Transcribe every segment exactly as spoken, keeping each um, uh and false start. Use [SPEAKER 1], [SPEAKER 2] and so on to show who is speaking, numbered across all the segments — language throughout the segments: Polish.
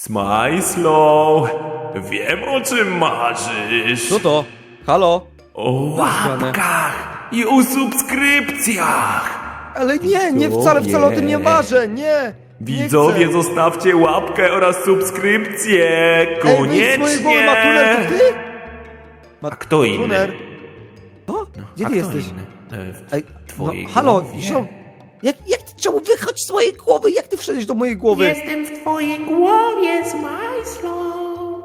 [SPEAKER 1] Smajslow, wiem o czym marzysz.
[SPEAKER 2] Co to? Halo?
[SPEAKER 1] O łapkach i o subskrypcjach.
[SPEAKER 2] Ale nie, nie, wcale, wcale o tym nie marzę, nie!
[SPEAKER 1] Widzowie,
[SPEAKER 2] nie
[SPEAKER 1] zostawcie łapkę oraz subskrypcję.
[SPEAKER 2] Ej, wyjdź z mojej głowy, Matuner, to
[SPEAKER 1] Koniecznie.
[SPEAKER 2] ty?
[SPEAKER 1] A kto inny?
[SPEAKER 2] Matuner. O, gdzie
[SPEAKER 1] A
[SPEAKER 2] ty
[SPEAKER 1] kto
[SPEAKER 2] jesteś?
[SPEAKER 1] inny? E, w
[SPEAKER 2] Ej, no,
[SPEAKER 1] twojej
[SPEAKER 2] halo,
[SPEAKER 1] głowie.
[SPEAKER 2] ziom, jak, jak ty, czemu wychodź z mojej głowy? Jak ty wszedłeś do mojej głowy?
[SPEAKER 3] Jestem w twojej głowie, Smajslow.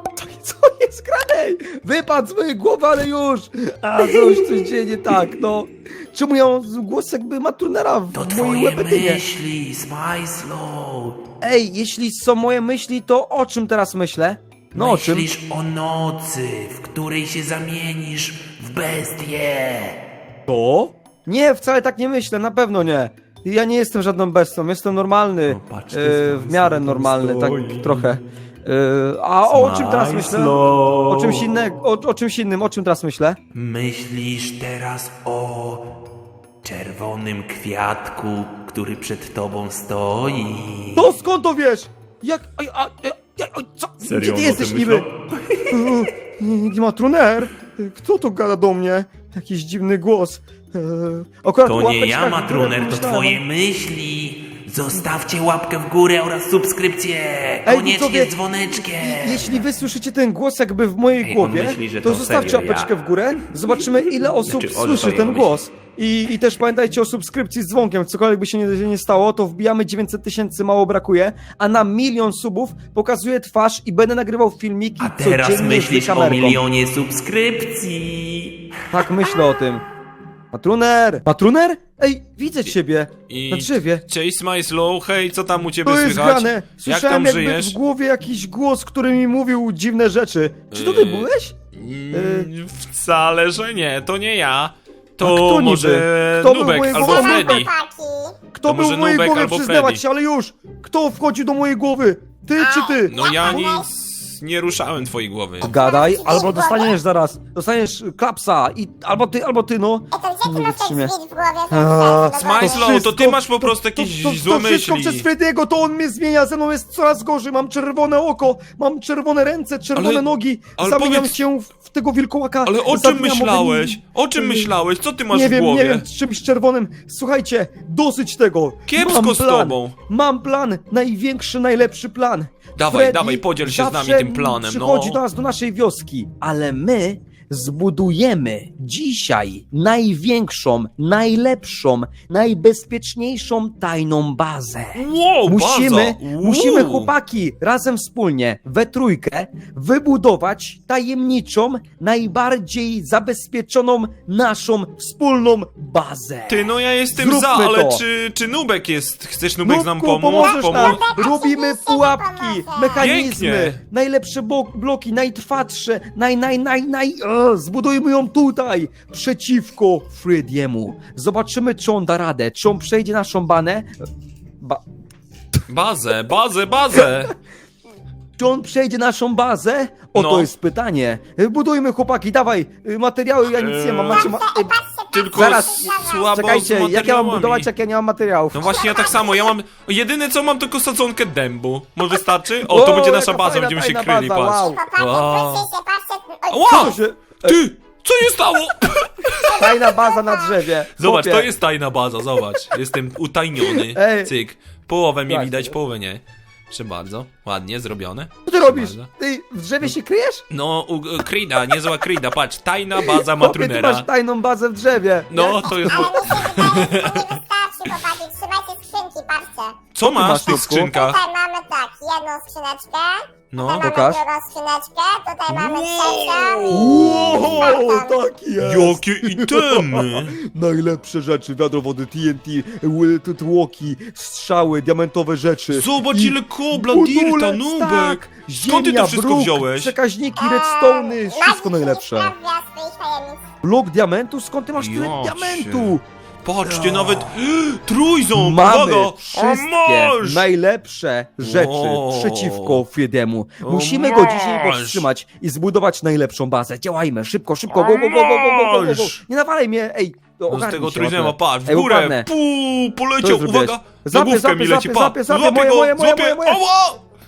[SPEAKER 2] Co jest grane? Wypadł z mojej głowy, ale już! A, coś, coś dzieje nie tak, no. Czemu ja mam głos jakby Maturnera w
[SPEAKER 1] To
[SPEAKER 2] mojej
[SPEAKER 1] twoje
[SPEAKER 2] łepetynie?
[SPEAKER 1] myśli, Smajslow.
[SPEAKER 2] Ej, jeśli są moje myśli, to o czym teraz myślę? No o czym?
[SPEAKER 1] Myślisz o nocy, w której się zamienisz w bestię.
[SPEAKER 2] To? Nie, wcale tak nie myślę, na pewno nie. Ja nie jestem żadną bestią, jestem normalny.
[SPEAKER 1] No, patrz, ty
[SPEAKER 2] e,
[SPEAKER 1] sam
[SPEAKER 2] w miarę
[SPEAKER 1] sobie
[SPEAKER 2] normalny, tak
[SPEAKER 1] stoi.
[SPEAKER 2] trochę. E, a o, o czym teraz myślę?
[SPEAKER 1] Smajslow.
[SPEAKER 2] O czymś innego, o, o czymś innym, o czym teraz myślę?
[SPEAKER 1] Myślisz teraz o czerwonym kwiatku, który przed tobą stoi.
[SPEAKER 2] To skąd to wiesz? Jak, a, a, a, a, co?
[SPEAKER 1] Serio
[SPEAKER 2] Gdzie ty
[SPEAKER 1] on o
[SPEAKER 2] jesteś
[SPEAKER 1] tym
[SPEAKER 2] niby?
[SPEAKER 1] myślał?
[SPEAKER 2] E, Nie ma truner. Kto to gada do mnie? Jakiś dziwny głos. E, akurat
[SPEAKER 1] To
[SPEAKER 2] łapeczka
[SPEAKER 1] nie ja,
[SPEAKER 2] w górę
[SPEAKER 1] Matruner, to
[SPEAKER 2] myślałem.
[SPEAKER 1] twoje myśli. Zostawcie łapkę w górę oraz subskrypcję.
[SPEAKER 2] Ej,
[SPEAKER 1] Koniecznie
[SPEAKER 2] widzowie,
[SPEAKER 1] z dzwoneczkiem.
[SPEAKER 2] Jeśli wy słyszycie ten głos jakby w mojej
[SPEAKER 1] Ej, on
[SPEAKER 2] głowie,
[SPEAKER 1] myśli, że
[SPEAKER 2] to,
[SPEAKER 1] to
[SPEAKER 2] zostawcie
[SPEAKER 1] serio
[SPEAKER 2] łapeczkę
[SPEAKER 1] ja.
[SPEAKER 2] w górę. Zobaczymy, ile osób
[SPEAKER 1] Znaczy, on
[SPEAKER 2] słyszy
[SPEAKER 1] serio
[SPEAKER 2] ten
[SPEAKER 1] myśli.
[SPEAKER 2] głos. I, I też pamiętajcie o subskrypcji z dzwonkiem. Cokolwiek by się nie, nie stało, to wbijamy dziewięćset tysięcy, mało brakuje. A na milion subów pokazuję twarz i będę nagrywał filmiki
[SPEAKER 1] A teraz
[SPEAKER 2] codziennie
[SPEAKER 1] myślisz
[SPEAKER 2] z
[SPEAKER 1] o
[SPEAKER 2] kamerką.
[SPEAKER 1] milionie subskrypcji.
[SPEAKER 2] Tak myślę o tym. Patruner! Patruner? Ej, widzę ciebie.
[SPEAKER 4] I-
[SPEAKER 2] Na drzewie.
[SPEAKER 4] Cześć Smajslow, hej, co tam u ciebie
[SPEAKER 2] To jest
[SPEAKER 4] słychać?
[SPEAKER 2] grane.
[SPEAKER 4] Jak
[SPEAKER 2] Słyszałem
[SPEAKER 4] tam
[SPEAKER 2] jakby
[SPEAKER 4] żyjesz?
[SPEAKER 2] w głowie jakiś głos, który mi mówił dziwne rzeczy. Czy to ty
[SPEAKER 4] Yy,
[SPEAKER 2] byłeś?
[SPEAKER 4] Mm, Wcale, że nie, to nie ja.
[SPEAKER 2] A
[SPEAKER 4] To
[SPEAKER 2] kto
[SPEAKER 4] może
[SPEAKER 2] niby? Kto był
[SPEAKER 4] Nubek
[SPEAKER 2] mojego
[SPEAKER 4] albo
[SPEAKER 2] ojca?
[SPEAKER 4] Freddy.
[SPEAKER 2] Kto
[SPEAKER 4] To
[SPEAKER 2] był
[SPEAKER 4] może
[SPEAKER 2] w mojej
[SPEAKER 4] Nubek
[SPEAKER 2] głowie?
[SPEAKER 4] albo
[SPEAKER 2] Przyznawać
[SPEAKER 4] Freddy.
[SPEAKER 2] się, ale już! Kto wchodził do mojej głowy? Ty czy ty?
[SPEAKER 4] No ja nic nie ruszałem twojej głowy.
[SPEAKER 2] Gadaj, albo dostaniesz zaraz. Dostaniesz klapsa i albo ty, albo ty, no.
[SPEAKER 3] To gdzie ty
[SPEAKER 2] Nie
[SPEAKER 3] masz ten
[SPEAKER 2] wytrzymie.
[SPEAKER 3] świt w głowie?
[SPEAKER 2] A,
[SPEAKER 3] To
[SPEAKER 4] Smajslow,
[SPEAKER 3] wszystko-
[SPEAKER 4] to ty masz po prostu jakieś
[SPEAKER 2] to, to,
[SPEAKER 4] złe
[SPEAKER 2] to wszystko
[SPEAKER 4] myśli.
[SPEAKER 2] przez Frediego, to on mnie zmienia, ze mną jest coraz gorzej, mam czerwone oko, mam czerwone ręce, czerwone
[SPEAKER 4] Ale-
[SPEAKER 2] nogi,
[SPEAKER 4] ale
[SPEAKER 2] zamieniam
[SPEAKER 4] powiedz-
[SPEAKER 2] się w, w tego wilkołaka.
[SPEAKER 4] Ale o czym
[SPEAKER 2] zamieniam
[SPEAKER 4] myślałeś? O czym
[SPEAKER 2] Yy,
[SPEAKER 4] myślałeś? Co ty masz
[SPEAKER 2] Nie
[SPEAKER 4] w
[SPEAKER 2] wiem,
[SPEAKER 4] głowie?
[SPEAKER 2] nie wiem, czymś czerwonym. Słuchajcie, dosyć tego.
[SPEAKER 4] Kiepsko
[SPEAKER 2] mam
[SPEAKER 4] z
[SPEAKER 2] plan.
[SPEAKER 4] tobą.
[SPEAKER 2] Mam plan, największy, najlepszy plan.
[SPEAKER 4] Dawaj,
[SPEAKER 2] Freddy
[SPEAKER 4] dawaj, podziel się z nami
[SPEAKER 2] zawsze
[SPEAKER 4] tym planem,
[SPEAKER 2] przychodzi
[SPEAKER 4] no.
[SPEAKER 2] do nas, do naszej wioski, ale my zbudujemy dzisiaj największą, najlepszą, najbezpieczniejszą tajną bazę.
[SPEAKER 4] Wow,
[SPEAKER 2] Musimy,
[SPEAKER 4] baza.
[SPEAKER 2] musimy
[SPEAKER 4] Wow.
[SPEAKER 2] chłopaki razem wspólnie, we trójkę, wybudować tajemniczą, najbardziej zabezpieczoną naszą wspólną bazę.
[SPEAKER 4] Ty, no ja jestem
[SPEAKER 2] Zróbmy
[SPEAKER 4] za, ale
[SPEAKER 2] to.
[SPEAKER 4] czy, czy Nubek jest? Chcesz Nubek nam
[SPEAKER 2] Nubku,
[SPEAKER 4] pomóc?
[SPEAKER 2] pomożesz nam!
[SPEAKER 4] Pomóc?
[SPEAKER 2] Robimy
[SPEAKER 3] Oczywiście,
[SPEAKER 2] pułapki,
[SPEAKER 3] pomożę.
[SPEAKER 2] mechanizmy,
[SPEAKER 4] Pięknie.
[SPEAKER 2] najlepsze bo- bloki, najtrwatsze, naj, naj, naj, naj... O, zbudujmy ją tutaj, przeciwko Frediemu. Zobaczymy, czy on da radę, czy on przejdzie naszą banę. Ba
[SPEAKER 4] Bazę, bazę, bazę!
[SPEAKER 2] Czy on przejdzie naszą bazę? O,
[SPEAKER 4] No.
[SPEAKER 2] to jest pytanie. Budujmy, chłopaki, dawaj, y, materiały, ja nic nie mam, macie... Ma... y,
[SPEAKER 4] Tylko
[SPEAKER 2] Zaraz,
[SPEAKER 4] słabo
[SPEAKER 2] Czekajcie,
[SPEAKER 4] z
[SPEAKER 2] jak ja mam
[SPEAKER 4] materiałami.
[SPEAKER 2] budować, jak ja nie mam materiałów?
[SPEAKER 4] No właśnie, ja tak samo, ja mam... Jedyne co mam, tylko sadzonkę dębu. Może wystarczy? O, to
[SPEAKER 2] Wow,
[SPEAKER 4] będzie nasza
[SPEAKER 2] jaka
[SPEAKER 4] baza,
[SPEAKER 2] fajna,
[SPEAKER 4] będziemy się
[SPEAKER 2] fajna
[SPEAKER 4] kryli,
[SPEAKER 2] baza,
[SPEAKER 4] patrz.
[SPEAKER 2] wow.
[SPEAKER 3] Popatrzcie,
[SPEAKER 4] Wow.
[SPEAKER 3] patrzcie się, patrzcie. Oj,
[SPEAKER 4] Ła!
[SPEAKER 2] Co się...
[SPEAKER 4] Ty! Co się stało?
[SPEAKER 2] Fajna baza na drzewie.
[SPEAKER 4] Zobacz,
[SPEAKER 2] Chłopie.
[SPEAKER 4] to jest tajna baza, zobacz. Jestem utajniony.
[SPEAKER 2] Ej.
[SPEAKER 4] Cyk. Połowę mnie
[SPEAKER 2] Tak.
[SPEAKER 4] widać, połowę nie. Proszę bardzo. Ładnie zrobione.
[SPEAKER 2] Co ty robisz?
[SPEAKER 4] Proszę bardzo.
[SPEAKER 2] Ty w drzewie się kryjesz?
[SPEAKER 4] No, u, Krida, niezła Krida, patrz. Tajna baza
[SPEAKER 2] Chłopie, ty
[SPEAKER 4] Matrunera.
[SPEAKER 2] masz tajną bazę w drzewie.
[SPEAKER 4] No, to jest...
[SPEAKER 3] Ale mi się wydaje, że to nie wystarczy, chłopaki. Trzymajcie skrzynki, patrzcie.
[SPEAKER 4] Co
[SPEAKER 2] ty
[SPEAKER 4] masz
[SPEAKER 2] masz,
[SPEAKER 4] w tych
[SPEAKER 2] Nubku?
[SPEAKER 4] skrzynkach?
[SPEAKER 3] Tutaj mamy tak, jedną skrzyneczkę.
[SPEAKER 4] No.
[SPEAKER 3] Tutaj
[SPEAKER 2] Pokaż.
[SPEAKER 3] mamy drugą skrzyneczkę. Tutaj mamy
[SPEAKER 4] Wow.
[SPEAKER 3] trzecią.
[SPEAKER 2] Wow, tak jest.
[SPEAKER 4] Jakie itemy!
[SPEAKER 2] Najlepsze rzeczy, wiadro wody, T N T, ły- t- tłoki, strzały, diamentowe rzeczy.
[SPEAKER 4] Zobacz
[SPEAKER 2] I
[SPEAKER 4] ile kobla,
[SPEAKER 2] budulec,
[SPEAKER 4] dirta, Nubek!
[SPEAKER 2] tak,
[SPEAKER 4] Skąd ty to
[SPEAKER 2] ziemia,
[SPEAKER 4] wszystko
[SPEAKER 2] bruk,
[SPEAKER 4] wziąłeś?
[SPEAKER 2] Przekaźniki, redstone'y, wszystko najlepsze.
[SPEAKER 3] Sprawdza swoich tajemnic.
[SPEAKER 2] Blok diamentu? Skąd ty masz tyle
[SPEAKER 4] Ja
[SPEAKER 2] diamentu?
[SPEAKER 4] Patrzcie, nawet trójząb,
[SPEAKER 2] Mamy
[SPEAKER 4] uwaga!
[SPEAKER 2] wszystkie
[SPEAKER 4] A masz!
[SPEAKER 2] najlepsze rzeczy
[SPEAKER 4] Wow.
[SPEAKER 2] przeciwko Friedemu.
[SPEAKER 4] O,
[SPEAKER 2] Musimy go dzisiaj
[SPEAKER 4] masz.
[SPEAKER 2] powstrzymać i zbudować najlepszą bazę. Działajmy, szybko, szybko, go, go, go, go, go, go, go, go.
[SPEAKER 4] masz.
[SPEAKER 2] Nie nawalaj mnie, ej.
[SPEAKER 4] No z
[SPEAKER 2] ogarnij
[SPEAKER 4] tego
[SPEAKER 2] się,
[SPEAKER 4] trójzęba,
[SPEAKER 2] ładnie.
[SPEAKER 4] patrz, w
[SPEAKER 2] Ej,
[SPEAKER 4] górę,
[SPEAKER 2] upadnę.
[SPEAKER 4] puu,
[SPEAKER 2] Co
[SPEAKER 4] poleciał,
[SPEAKER 2] zrobiłeś?
[SPEAKER 4] uwaga!
[SPEAKER 2] Zapie,
[SPEAKER 4] Za główkę
[SPEAKER 2] zapie,
[SPEAKER 4] mi leci,
[SPEAKER 2] zapie,
[SPEAKER 4] pa!
[SPEAKER 2] zapie, zapie,
[SPEAKER 4] Złapię
[SPEAKER 2] moje,
[SPEAKER 4] go,
[SPEAKER 2] moje, moje,
[SPEAKER 4] złapię,
[SPEAKER 2] moje, moje.
[SPEAKER 4] ała!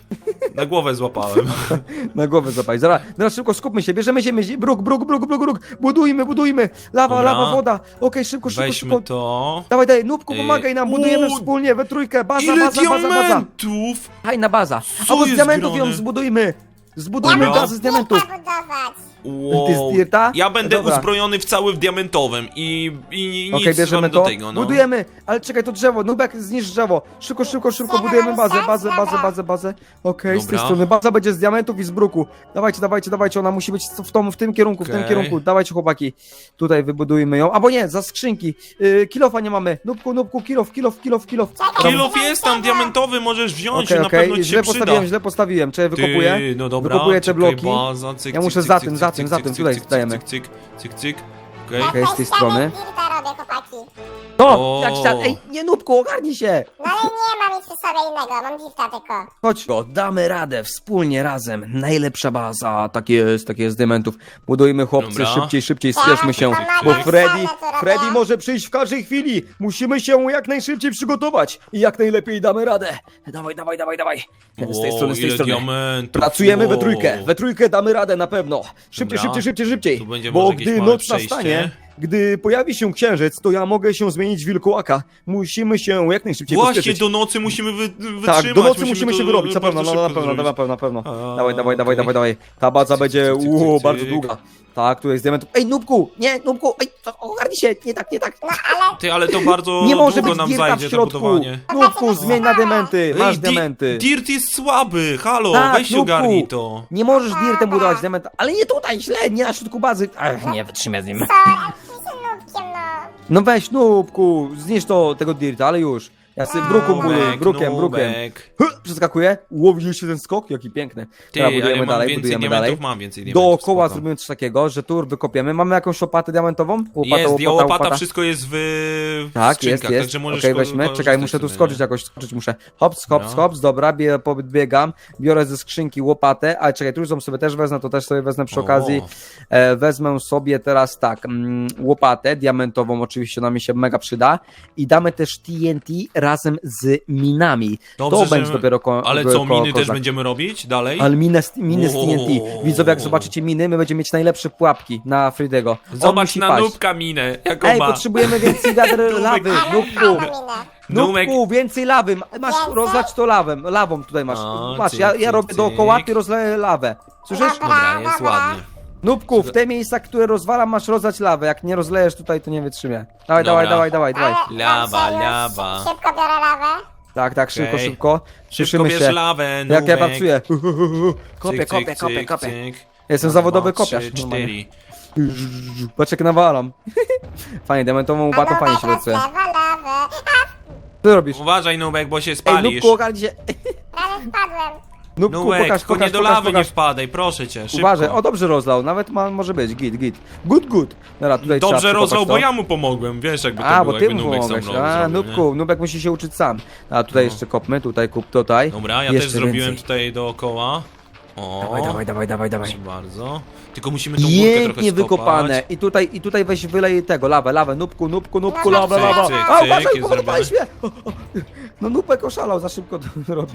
[SPEAKER 4] Na głowę złapałem.
[SPEAKER 2] Na głowę zapaj. Zaraz, zaraz szybko skupmy się, bierzemy ziemię, zi- bruk, bruk, bruk, bruk, bruk, budujmy, budujmy. Lawa,
[SPEAKER 4] Dobra.
[SPEAKER 2] lawa, woda. Okej, szybko, szybko,
[SPEAKER 4] Weźmy
[SPEAKER 2] szybko.
[SPEAKER 4] to.
[SPEAKER 2] Dawaj, daj, Nubku,
[SPEAKER 4] Ej,
[SPEAKER 2] pomagaj nam, budujemy
[SPEAKER 4] u,
[SPEAKER 2] wspólnie, we trójkę, baza,
[SPEAKER 4] Ile
[SPEAKER 2] baza, baza, baza.
[SPEAKER 4] diamentów!
[SPEAKER 2] Fajna baza.
[SPEAKER 4] Co
[SPEAKER 2] Albo z
[SPEAKER 4] jest
[SPEAKER 2] diamentów
[SPEAKER 4] grane?
[SPEAKER 2] ją zbudujmy. Zbudujmy
[SPEAKER 4] Dobra.
[SPEAKER 2] bazę z diamentów.
[SPEAKER 3] Dirta budować.
[SPEAKER 4] Wow.
[SPEAKER 2] Ty z dirta?
[SPEAKER 4] Ja będę
[SPEAKER 2] Dobra.
[SPEAKER 4] uzbrojony w cały w diamentowym i, i nic
[SPEAKER 2] Okej, bierzemy
[SPEAKER 4] wam
[SPEAKER 2] to.
[SPEAKER 4] do tego, no.
[SPEAKER 2] Budujemy, ale czekaj, to drzewo, Nubek, zniszcz drzewo. Szybko, szybko, szybko, budujemy bazę, bazę, bazę, bazę, bazę. Okej, z tej
[SPEAKER 4] Dobra.
[SPEAKER 2] strony. Baza będzie z diamentów i z bruku. Dawajcie, dawajcie, dawajcie, ona musi być w, tom, w tym kierunku, w tym
[SPEAKER 4] Okej.
[SPEAKER 2] kierunku. Dawajcie, chłopaki. Tutaj wybudujmy ją. Albo nie, za skrzynki. Yy, kilofa nie mamy. Nubku, nubku, kilof, kilof, kilof, kilof.
[SPEAKER 4] Kilof jest tam diamentowy, możesz wziąć,
[SPEAKER 2] Okej,
[SPEAKER 4] na
[SPEAKER 2] okej,
[SPEAKER 4] pewno ci
[SPEAKER 2] źle
[SPEAKER 4] się przyda.
[SPEAKER 2] postawiłem, źle postawiłem. Czekaj, wykopuję.
[SPEAKER 4] Ty, no dobra,
[SPEAKER 2] Wykopuję te
[SPEAKER 4] czekaj,
[SPEAKER 2] bloki.
[SPEAKER 4] Baza, cyk,
[SPEAKER 2] Ja
[SPEAKER 4] cyk,
[SPEAKER 2] muszę
[SPEAKER 4] cyk,
[SPEAKER 2] za
[SPEAKER 4] cyk,
[SPEAKER 2] tym, za
[SPEAKER 4] cyk,
[SPEAKER 2] tym,
[SPEAKER 4] cyk,
[SPEAKER 2] za
[SPEAKER 4] cyk,
[SPEAKER 2] tym,
[SPEAKER 4] cyk,
[SPEAKER 2] tutaj
[SPEAKER 4] cyk,
[SPEAKER 2] stajemy.
[SPEAKER 4] Cyk, cyk, cyk, cyk. Okej.
[SPEAKER 2] Okej, z tej strony.
[SPEAKER 3] Dirta robię, chłopaki.
[SPEAKER 2] No,
[SPEAKER 4] O.
[SPEAKER 2] jak się... Ej, nie, Nubku, ogarnij się.
[SPEAKER 3] No ale nie mam nic przy sobie innego, mam dirta tylko.
[SPEAKER 2] Chodź, go, damy radę, wspólnie, razem. Najlepsza baza, tak jest, tak jest, z diamentów. Budujmy, chłopcy,
[SPEAKER 4] Dobra.
[SPEAKER 2] szybciej, szybciej, spieszmy się,
[SPEAKER 3] Tak,
[SPEAKER 2] bo
[SPEAKER 3] tak,
[SPEAKER 2] Freddy,
[SPEAKER 3] tak, tak,
[SPEAKER 2] Freddy
[SPEAKER 3] tak.
[SPEAKER 2] może przyjść w każdej chwili. Musimy się jak najszybciej przygotować i jak najlepiej damy radę. Dawaj, dawaj, dawaj, dawaj. Z tej
[SPEAKER 4] Wow,
[SPEAKER 2] strony, z tej
[SPEAKER 4] ile
[SPEAKER 2] strony.
[SPEAKER 4] diamentów.
[SPEAKER 2] Pracujemy we
[SPEAKER 4] wow.
[SPEAKER 2] trójkę, we trójkę damy radę na pewno. Szybciej,
[SPEAKER 4] Dobra.
[SPEAKER 2] szybciej, szybciej, szybciej.
[SPEAKER 4] Tu będzie
[SPEAKER 2] Bo
[SPEAKER 4] może jakieś
[SPEAKER 2] gdy
[SPEAKER 4] małe
[SPEAKER 2] noc
[SPEAKER 4] przejście.
[SPEAKER 2] nastanie, gdy pojawi się księżyc, to ja mogę się zmienić w wilkołaka. Musimy się jak najszybciej
[SPEAKER 4] Właśnie,
[SPEAKER 2] pospieszyć.
[SPEAKER 4] do nocy musimy wy, wytrzymać.
[SPEAKER 2] Tak, do nocy musimy
[SPEAKER 4] to
[SPEAKER 2] się wyrobić, na
[SPEAKER 4] bardzo
[SPEAKER 2] pewno, no, na
[SPEAKER 4] szybko
[SPEAKER 2] pewno, na
[SPEAKER 4] zrobić.
[SPEAKER 2] pewno, na pewno.
[SPEAKER 4] A,
[SPEAKER 2] Dawaj, dawaj, dawaj,
[SPEAKER 4] okej.
[SPEAKER 2] dawaj, dawaj. Ta baza
[SPEAKER 4] Cyk,
[SPEAKER 2] będzie,
[SPEAKER 4] cyk, cyk,
[SPEAKER 2] uuu,
[SPEAKER 4] cyk,
[SPEAKER 2] bardzo
[SPEAKER 4] cyk.
[SPEAKER 2] długa. Tak, tu jest diamentów. Ej, Nubku, nie, Nubku, ej, to- ogarnij się, nie tak, nie tak.
[SPEAKER 3] No ale
[SPEAKER 4] Ty, ale to bardzo
[SPEAKER 2] Nie może
[SPEAKER 4] długo
[SPEAKER 2] być
[SPEAKER 4] nam
[SPEAKER 2] dirta w
[SPEAKER 4] zajdzie to
[SPEAKER 2] środku.
[SPEAKER 4] budowanie.
[SPEAKER 2] Nubku, zmień na diamenty, masz
[SPEAKER 4] Ej, di-
[SPEAKER 2] diamenty.
[SPEAKER 4] Dirt jest słaby, halo,
[SPEAKER 2] Tak,
[SPEAKER 4] weź
[SPEAKER 2] Nubku.
[SPEAKER 4] ogarnij to.
[SPEAKER 2] Nie możesz dirtem budować diamenta, ale nie tutaj, źle, nie na środku bazy. Ach, nie, wytrzymaj z nim.
[SPEAKER 3] co, jak ty się nubkiem, no.
[SPEAKER 2] No weź, Nubku, zniszcz to, tego dirta, ale już. Ja sobie bruku buduję,
[SPEAKER 4] Nubek,
[SPEAKER 2] brukiem, brukiem.
[SPEAKER 4] Nubek.
[SPEAKER 2] Huh, przeskakuję, ułowiliście ten skok? Jaki piękny.
[SPEAKER 4] Ty,
[SPEAKER 2] Dobra,
[SPEAKER 4] ale
[SPEAKER 2] budujemy
[SPEAKER 4] mam
[SPEAKER 2] dalej,
[SPEAKER 4] więcej
[SPEAKER 2] budujemy
[SPEAKER 4] diamentów,
[SPEAKER 2] dalej.
[SPEAKER 4] mam więcej diamentów.
[SPEAKER 2] Dookoła
[SPEAKER 4] spoko.
[SPEAKER 2] zrobimy coś takiego, że tur wykopiemy. Mamy jakąś łopatę diamentową? Łopata,
[SPEAKER 4] Jest, łopata, łopata, łopata, wszystko jest w, w
[SPEAKER 2] Tak,
[SPEAKER 4] skrzynkach,
[SPEAKER 2] jest, jest.
[SPEAKER 4] także możesz
[SPEAKER 2] Okej,
[SPEAKER 4] ko-
[SPEAKER 2] weźmy.
[SPEAKER 4] korzystać
[SPEAKER 2] Czekaj, muszę tu
[SPEAKER 4] sobie,
[SPEAKER 2] skoczyć
[SPEAKER 4] nie?
[SPEAKER 2] jakoś, skoczyć muszę. Hops, hops,
[SPEAKER 4] No.
[SPEAKER 2] hops, dobra, bie, podbiegam, biorę ze skrzynki łopatę, ale czekaj, trójką sobie też wezmę, to też sobie wezmę przy
[SPEAKER 4] O.
[SPEAKER 2] okazji. E, wezmę sobie teraz tak, mm, łopatę diamentową, oczywiście ona mi się mega przyda i damy też T N T razem z minami.
[SPEAKER 4] Dobrze,
[SPEAKER 2] to
[SPEAKER 4] że-
[SPEAKER 2] będzie dopiero ko-
[SPEAKER 4] Ale
[SPEAKER 2] ko-
[SPEAKER 4] co,
[SPEAKER 2] ko-
[SPEAKER 4] miny też
[SPEAKER 2] kozak.
[SPEAKER 4] będziemy robić dalej?
[SPEAKER 2] Ale miny, z- miny z T N T.
[SPEAKER 4] Wow.
[SPEAKER 2] Widzowie, jak zobaczycie miny, my będziemy mieć najlepsze pułapki na Fridego. On
[SPEAKER 4] Zobacz
[SPEAKER 2] musi
[SPEAKER 4] na
[SPEAKER 2] paść.
[SPEAKER 4] nubka minę, jaką
[SPEAKER 2] Ej,
[SPEAKER 4] ma.
[SPEAKER 2] potrzebujemy więcej wiader lawy, nubku.
[SPEAKER 3] Fajną minę.
[SPEAKER 4] Numek.
[SPEAKER 2] Nubku, więcej lawy. Masz
[SPEAKER 3] Więcej?
[SPEAKER 2] rozlać to lawem. Lawą tutaj masz.
[SPEAKER 4] O,
[SPEAKER 2] Patrz,
[SPEAKER 4] cyk,
[SPEAKER 2] ja,
[SPEAKER 4] cyk,
[SPEAKER 2] ja robię
[SPEAKER 4] cyk.
[SPEAKER 2] dookoła, ty rozleję lawę. Słyszysz?
[SPEAKER 3] Dobra.
[SPEAKER 4] Dobra, jest
[SPEAKER 3] Dobra.
[SPEAKER 4] ładnie.
[SPEAKER 2] Nubku, w te miejsca, które rozwalam, masz rozlać lawę. Jak nie rozlejesz tutaj, to nie wytrzymie. Dawaj,
[SPEAKER 4] Dobra.
[SPEAKER 2] dawaj, dawaj, dawaj, dawaj.
[SPEAKER 3] Ale
[SPEAKER 4] Lawa,
[SPEAKER 3] dobrze, już
[SPEAKER 4] lawa.
[SPEAKER 3] Szybko biorę lawę.
[SPEAKER 2] Tak, tak, szybko,
[SPEAKER 4] Okej.
[SPEAKER 2] szybko.
[SPEAKER 4] Szybko
[SPEAKER 2] Cieszymy
[SPEAKER 4] bierz
[SPEAKER 2] się.
[SPEAKER 4] lawę,
[SPEAKER 2] Jak ja
[SPEAKER 4] nubek.
[SPEAKER 2] pracuję. Kopię,
[SPEAKER 4] Cyk,
[SPEAKER 2] kopię,
[SPEAKER 4] cyk,
[SPEAKER 2] kopię,
[SPEAKER 4] cyk,
[SPEAKER 2] kopię.
[SPEAKER 4] cyk.
[SPEAKER 2] Jestem
[SPEAKER 4] Raz,
[SPEAKER 2] zawodowy
[SPEAKER 4] dwa,
[SPEAKER 2] kopiarz.
[SPEAKER 4] trzy,
[SPEAKER 2] normalnie.
[SPEAKER 4] cztery.
[SPEAKER 2] Patrz jak nawalam. Fajnie, diamentową
[SPEAKER 3] A
[SPEAKER 2] łopatą fajnie
[SPEAKER 3] nubek
[SPEAKER 2] się pracuje.
[SPEAKER 3] rozlewa lawę.
[SPEAKER 2] Co ty robisz?
[SPEAKER 4] Uważaj, Nubek, bo się
[SPEAKER 2] Ej,
[SPEAKER 4] spalisz.
[SPEAKER 2] Nubku, ogarnij się.
[SPEAKER 3] Prawie wpadłem.
[SPEAKER 2] Nubku,
[SPEAKER 4] Nubek,
[SPEAKER 2] pokaż,
[SPEAKER 4] tylko
[SPEAKER 2] pokaż,
[SPEAKER 4] nie do
[SPEAKER 2] pokaż,
[SPEAKER 4] lawy nie
[SPEAKER 2] pokaż.
[SPEAKER 4] wpadaj, proszę cię, szybko.
[SPEAKER 2] Uważaj, o dobrze rozlał, nawet ma, może być, git, git. Good, good. Dobra, tutaj trzeba
[SPEAKER 4] Dobrze
[SPEAKER 2] przekopać
[SPEAKER 4] rozlał,
[SPEAKER 2] to.
[SPEAKER 4] bo ja mu pomogłem, wiesz jakby to
[SPEAKER 2] A,
[SPEAKER 4] było,
[SPEAKER 2] bo ty
[SPEAKER 4] jakby
[SPEAKER 2] mu
[SPEAKER 4] Nubek sam
[SPEAKER 2] pomogłeś.
[SPEAKER 4] robił,
[SPEAKER 2] A,
[SPEAKER 4] zrobił,
[SPEAKER 2] Nubku, Nubek musi się uczyć sam. A tutaj
[SPEAKER 4] No.
[SPEAKER 2] jeszcze kopmy, tutaj kup, tutaj.
[SPEAKER 4] nie? Dobra, ja
[SPEAKER 2] Jeszcze
[SPEAKER 4] też zrobiłem
[SPEAKER 2] więcej.
[SPEAKER 4] tutaj dookoła. O,
[SPEAKER 2] Dawaj, dawaj, dawaj, dawaj, dawaj.
[SPEAKER 4] proszę bardzo. Tylko musimy tą górkę trochę
[SPEAKER 2] Pięknie
[SPEAKER 4] skopać.
[SPEAKER 2] wykopane. I tutaj, i tutaj weź wylej tego, lawę, lawę, Nubku, Nubku, Nubku,
[SPEAKER 3] No,
[SPEAKER 2] lawę,
[SPEAKER 3] cyk,
[SPEAKER 2] lawę.
[SPEAKER 4] cyk,
[SPEAKER 2] A,
[SPEAKER 4] cyk,
[SPEAKER 2] uważaj,
[SPEAKER 4] jest
[SPEAKER 2] podpalisz mnie. O, o. No Nubek oszalał, za szybko to robi.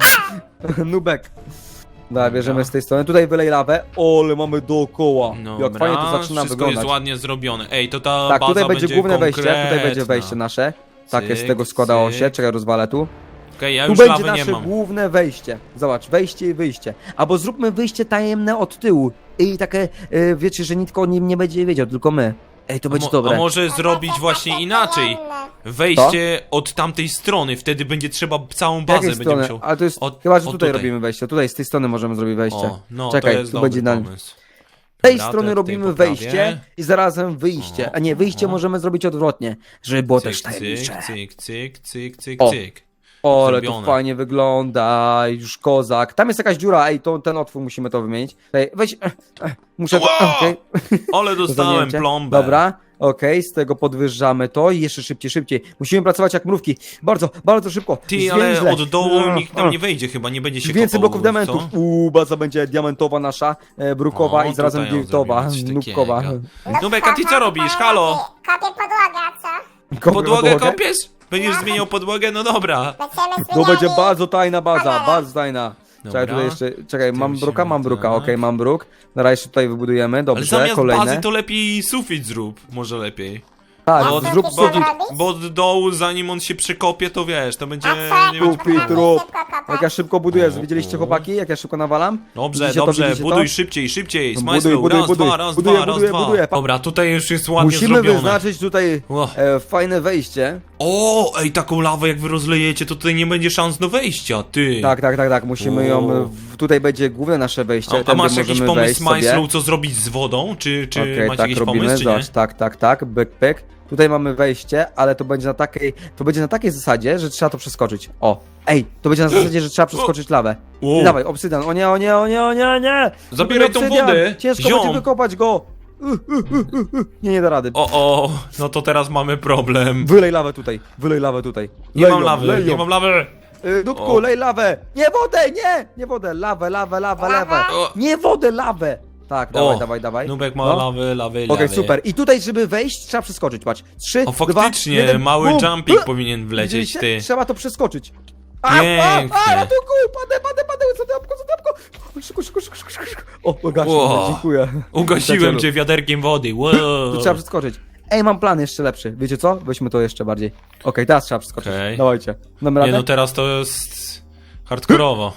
[SPEAKER 2] Nubek. Dobra, bierzemy z tej strony. Tutaj wylej lawę. Ole, mamy dookoła.
[SPEAKER 4] Dobra,
[SPEAKER 2] Jak fajnie to zaczyna
[SPEAKER 4] wszystko
[SPEAKER 2] wyglądać.
[SPEAKER 4] jest ładnie zrobione. Ej, to ta
[SPEAKER 2] Tak,
[SPEAKER 4] baza
[SPEAKER 2] tutaj będzie główne wejście, tutaj będzie
[SPEAKER 4] konkretna.
[SPEAKER 2] wejście nasze. Takie z
[SPEAKER 4] Cyk,
[SPEAKER 2] tego składało
[SPEAKER 4] cyk.
[SPEAKER 2] się. Czekaj, rozwalę tu.
[SPEAKER 4] Okej, ja
[SPEAKER 2] Tu
[SPEAKER 4] już
[SPEAKER 2] będzie
[SPEAKER 4] lawy nie
[SPEAKER 2] nasze
[SPEAKER 4] mam.
[SPEAKER 2] główne wejście. Zobacz, wejście i wyjście. Albo zróbmy wyjście tajemne od tyłu. I takie, y, wiecie, że nikt o nim nie będzie wiedział, tylko my. Ej, to
[SPEAKER 4] A,
[SPEAKER 2] będzie
[SPEAKER 4] mo-
[SPEAKER 2] dobre.
[SPEAKER 4] a może zrobić właśnie inaczej? Wejście od tamtej strony, wtedy będzie trzeba całą
[SPEAKER 2] Z
[SPEAKER 4] bazę
[SPEAKER 2] jakiej
[SPEAKER 4] będzie
[SPEAKER 2] strony?
[SPEAKER 4] musiał.
[SPEAKER 2] Ale to jest,
[SPEAKER 4] od-
[SPEAKER 2] chyba, że
[SPEAKER 4] od
[SPEAKER 2] tutaj,
[SPEAKER 4] tutaj.
[SPEAKER 2] robimy wejście. Tutaj, z tej strony możemy zrobić wejście.
[SPEAKER 4] O, no
[SPEAKER 2] Czekaj,
[SPEAKER 4] to jest
[SPEAKER 2] tu
[SPEAKER 4] dobry
[SPEAKER 2] będzie na-
[SPEAKER 4] pomysł.
[SPEAKER 2] Z tej
[SPEAKER 4] Dobra,
[SPEAKER 2] strony
[SPEAKER 4] to ja
[SPEAKER 2] robimy
[SPEAKER 4] tutaj poprawię.
[SPEAKER 2] wejście i zarazem wyjście.
[SPEAKER 4] O,
[SPEAKER 2] A nie, wyjście
[SPEAKER 4] o.
[SPEAKER 2] możemy zrobić odwrotnie, żeby było też
[SPEAKER 4] Cyk,
[SPEAKER 2] tajemnicze.
[SPEAKER 4] cyk, cyk, cyk, cyk,
[SPEAKER 2] O.
[SPEAKER 4] cyk.
[SPEAKER 2] O, ale to
[SPEAKER 4] zrobione.
[SPEAKER 2] fajnie wygląda, już kozak. Tam jest jakaś dziura, ej, to, ten otwór musimy to wymienić. Ej, weź, eh, eh, muszę to,
[SPEAKER 4] Ła!
[SPEAKER 2] okej.
[SPEAKER 4] Ale dostałem
[SPEAKER 2] Zamienicie.
[SPEAKER 4] plombę.
[SPEAKER 2] Dobra, okej, z tego podwyższamy to i jeszcze szybciej, szybciej. Musimy pracować jak mrówki. Bardzo, bardzo szybko.
[SPEAKER 4] Ty, ale
[SPEAKER 2] Zwięźle.
[SPEAKER 4] od dołu
[SPEAKER 2] Mm,
[SPEAKER 4] nikt tam
[SPEAKER 2] mm.
[SPEAKER 4] nie wejdzie chyba, nie będzie się
[SPEAKER 2] Więcej
[SPEAKER 4] kopał,
[SPEAKER 2] bloków diamentów.
[SPEAKER 4] co?
[SPEAKER 2] Uuu, baza będzie diamentowa nasza, e, brukowa
[SPEAKER 4] O,
[SPEAKER 2] i zarazem
[SPEAKER 4] tutaj ją
[SPEAKER 2] dirtowa,
[SPEAKER 4] zrobimy, coś
[SPEAKER 2] nubkowa.
[SPEAKER 4] takiego. Nubek, a ty co robisz? Halo?
[SPEAKER 3] Kopię podłogę, a co?
[SPEAKER 4] Podłogę kopiesz? Będziesz zmieniał podłogę? No dobra.
[SPEAKER 3] Będziemy
[SPEAKER 2] To będzie
[SPEAKER 3] zmieniali.
[SPEAKER 2] bardzo tajna baza,
[SPEAKER 3] Kamerę.
[SPEAKER 2] bardzo tajna. Czekaj, tutaj jeszcze, czekaj,
[SPEAKER 4] Tym
[SPEAKER 2] mam
[SPEAKER 4] się
[SPEAKER 2] bruka, mam bruka,
[SPEAKER 4] tak.
[SPEAKER 2] okej, mam bruk. Dobra, jeszcze tutaj wybudujemy,
[SPEAKER 4] Ale
[SPEAKER 2] dobrze,
[SPEAKER 4] zamiast
[SPEAKER 2] kolejne.
[SPEAKER 4] bazy to lepiej sufit zrób, może lepiej.
[SPEAKER 2] Tak,
[SPEAKER 4] Bo,
[SPEAKER 2] zrób
[SPEAKER 3] co
[SPEAKER 2] sufit.
[SPEAKER 3] ty robisz?
[SPEAKER 4] bo od dołu, zanim on się przekopie, to wiesz, to będzie...
[SPEAKER 3] A co?
[SPEAKER 4] Nie
[SPEAKER 3] Jak
[SPEAKER 4] będzie...
[SPEAKER 2] Sufit, rób.
[SPEAKER 3] szybko kopać?
[SPEAKER 2] Jak ja szybko buduję,
[SPEAKER 4] O,
[SPEAKER 2] widzieliście
[SPEAKER 4] o.
[SPEAKER 2] chłopaki, jak ja szybko nawalam?
[SPEAKER 4] Dobrze,
[SPEAKER 2] Widzicie to,
[SPEAKER 4] dobrze,
[SPEAKER 2] widzicie
[SPEAKER 4] buduj
[SPEAKER 2] to?
[SPEAKER 4] szybciej, szybciej,
[SPEAKER 2] No,
[SPEAKER 4] smajslow,
[SPEAKER 2] buduj, buduj,
[SPEAKER 4] raz,
[SPEAKER 2] buduj.
[SPEAKER 4] dwa, raz,
[SPEAKER 2] Buduję,
[SPEAKER 4] dwa, raz,
[SPEAKER 2] buduję,
[SPEAKER 4] dwa.
[SPEAKER 2] buduję. Pa-
[SPEAKER 4] Dobra, tutaj już jest ładnie
[SPEAKER 2] Musimy
[SPEAKER 4] zrobione.
[SPEAKER 2] wyznaczyć tutaj
[SPEAKER 4] O.
[SPEAKER 2] e, fajne wejście.
[SPEAKER 4] O, ej, taką lawę jak wy rozlejecie, to tutaj nie będzie szans do wejścia, ty.
[SPEAKER 2] Tak, tak, tak, tak, musimy ją,
[SPEAKER 4] O.
[SPEAKER 2] w, tutaj będzie główne nasze wejście.
[SPEAKER 4] A, a
[SPEAKER 2] tędy
[SPEAKER 4] masz jakiś
[SPEAKER 2] możemy
[SPEAKER 4] pomysł,
[SPEAKER 2] wejść sobie.
[SPEAKER 4] Smajslow, co zrobić z wodą? Czy, czy
[SPEAKER 2] Okej,
[SPEAKER 4] macie
[SPEAKER 2] tak
[SPEAKER 4] jakiś
[SPEAKER 2] robimy,
[SPEAKER 4] pomysł, czy nie?
[SPEAKER 2] zobacz, tak, tak, tak, byk, pyk. Tutaj mamy wejście, ale to będzie na takiej, to będzie na takiej zasadzie, że trzeba to przeskoczyć. O, ej, to będzie na zasadzie, że trzeba przeskoczyć lawę.
[SPEAKER 4] Wow.
[SPEAKER 2] I dawaj, obsydian, o nie, o nie, o nie, o nie, nie!
[SPEAKER 4] Zabieraj tą
[SPEAKER 2] Obsydian.
[SPEAKER 4] wodę,
[SPEAKER 2] Ciężko
[SPEAKER 4] ziom.
[SPEAKER 2] będzie wykopać go! Uh, uh, uh, uh, uh. Nie, nie da rady.
[SPEAKER 4] O, o, no to teraz mamy problem.
[SPEAKER 2] Wylej lawę tutaj, wylej lawę tutaj.
[SPEAKER 4] Nie
[SPEAKER 2] Lej
[SPEAKER 4] mam
[SPEAKER 2] ją,
[SPEAKER 4] lawy,
[SPEAKER 2] lej
[SPEAKER 4] nie
[SPEAKER 2] ją.
[SPEAKER 4] mam lawy.
[SPEAKER 2] Y, Dudku,
[SPEAKER 4] O.
[SPEAKER 2] lej lawę! Nie wodę, nie! Nie wodę, lawę, lawę, lawę, lawę.
[SPEAKER 4] O.
[SPEAKER 2] Nie wodę, lawę! Tak, dawaj,
[SPEAKER 4] O,
[SPEAKER 2] dawaj, dawaj.
[SPEAKER 4] Nubek ma
[SPEAKER 2] No.
[SPEAKER 4] lawy, lawy,
[SPEAKER 2] Okej,
[SPEAKER 4] lawy.
[SPEAKER 2] super. I tutaj, żeby wejść, trzeba przeskoczyć, patrz. Trzy,
[SPEAKER 4] O,
[SPEAKER 2] dwa,
[SPEAKER 4] faktycznie,
[SPEAKER 2] jeden,
[SPEAKER 4] mały
[SPEAKER 2] bum.
[SPEAKER 4] jumping
[SPEAKER 2] Uh!
[SPEAKER 4] powinien wlecieć,
[SPEAKER 2] Widzieliście?
[SPEAKER 4] ty.
[SPEAKER 2] Trzeba to przeskoczyć. A, a,
[SPEAKER 4] Pięknie.
[SPEAKER 2] a, ratunku, padę, padę, padę, co jabłko, co jabłko. Szybko, szybko, szybko, szybko, szybko. O, ugasiłem,
[SPEAKER 4] Wow.
[SPEAKER 2] dziękuję.
[SPEAKER 4] Ugasiłem
[SPEAKER 2] Przyjacielu.
[SPEAKER 4] cię wiaderkiem wody, wow.
[SPEAKER 2] Tu trzeba przeskoczyć. Ej, mam plan jeszcze lepszy. Wiecie co? Weźmy to jeszcze bardziej. Okej, teraz trzeba przeskoczyć.
[SPEAKER 4] Okej.
[SPEAKER 2] Dawajcie. Damy
[SPEAKER 4] Nie
[SPEAKER 2] radę?
[SPEAKER 4] no, teraz to jest hardkorowo.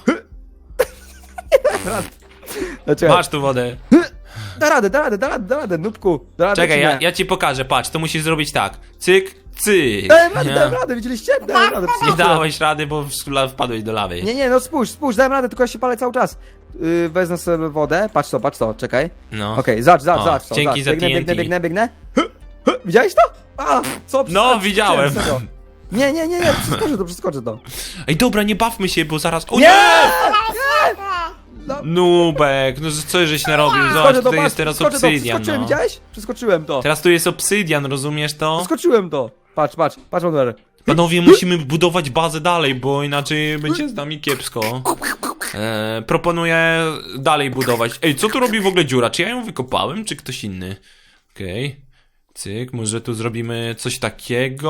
[SPEAKER 2] Czekaj.
[SPEAKER 4] Masz tu wodę.
[SPEAKER 2] Da radę, da radę, da radę, da radę, nubku. Da radę,
[SPEAKER 4] Czekaj,
[SPEAKER 2] czy
[SPEAKER 4] ja,
[SPEAKER 2] nie?
[SPEAKER 4] ja ci pokażę, patrz, to musisz zrobić tak. Cyk, cyk.
[SPEAKER 2] Dałem radę,
[SPEAKER 4] Nie,
[SPEAKER 2] dałem radę, widzieliście? Dałem radę.
[SPEAKER 4] nie
[SPEAKER 2] przeskoczyłem.
[SPEAKER 4] dałeś rady, bo w- wpadłeś do lawy.
[SPEAKER 2] Nie, nie, no spójrz, spójrz, dałem radę, tylko ja się palę cały czas. Yy, wezmę sobie wodę, patrz to, patrz to, czekaj.
[SPEAKER 4] No.
[SPEAKER 2] Okej, zobacz, zobacz,
[SPEAKER 4] O,
[SPEAKER 2] zobacz to,
[SPEAKER 4] dzięki
[SPEAKER 2] zobacz.
[SPEAKER 4] za
[SPEAKER 2] Biegnę,
[SPEAKER 4] T N T.
[SPEAKER 2] biegnę, biegnę, biegnę. Hy, hy, widziałeś to? A, co?
[SPEAKER 4] No,
[SPEAKER 2] Przeskoczyłem,
[SPEAKER 4] widziałem.
[SPEAKER 2] serio. Nie, nie, nie, nie, przeskoczę to, przeskoczę to.
[SPEAKER 4] Ej, dobra, nie bawmy się, bo zaraz... O
[SPEAKER 2] Nie!
[SPEAKER 4] nie!
[SPEAKER 3] Nie!
[SPEAKER 4] Nubek, no co żeś narobił? Zobacz,
[SPEAKER 2] Przeskoczę to,
[SPEAKER 4] tutaj
[SPEAKER 2] patrz,
[SPEAKER 4] jest teraz
[SPEAKER 2] przeskoczę to,
[SPEAKER 4] obsydian,
[SPEAKER 2] przeskoczyłem,
[SPEAKER 4] no.
[SPEAKER 2] widziałeś? Przeskoczyłem to.
[SPEAKER 4] Teraz tu jest obsydian, rozumiesz to?
[SPEAKER 2] Przeskoczyłem to. Patrz, patrz, patrz, Wonder.
[SPEAKER 4] Panowie, musimy budować bazę dalej, bo inaczej będzie z nami kiepsko. E, proponuję dalej budować. Ej, co tu robi w ogóle dziura? Czy ja ją wykopałem, czy ktoś inny? Okej. Cyk, może tu zrobimy coś takiego.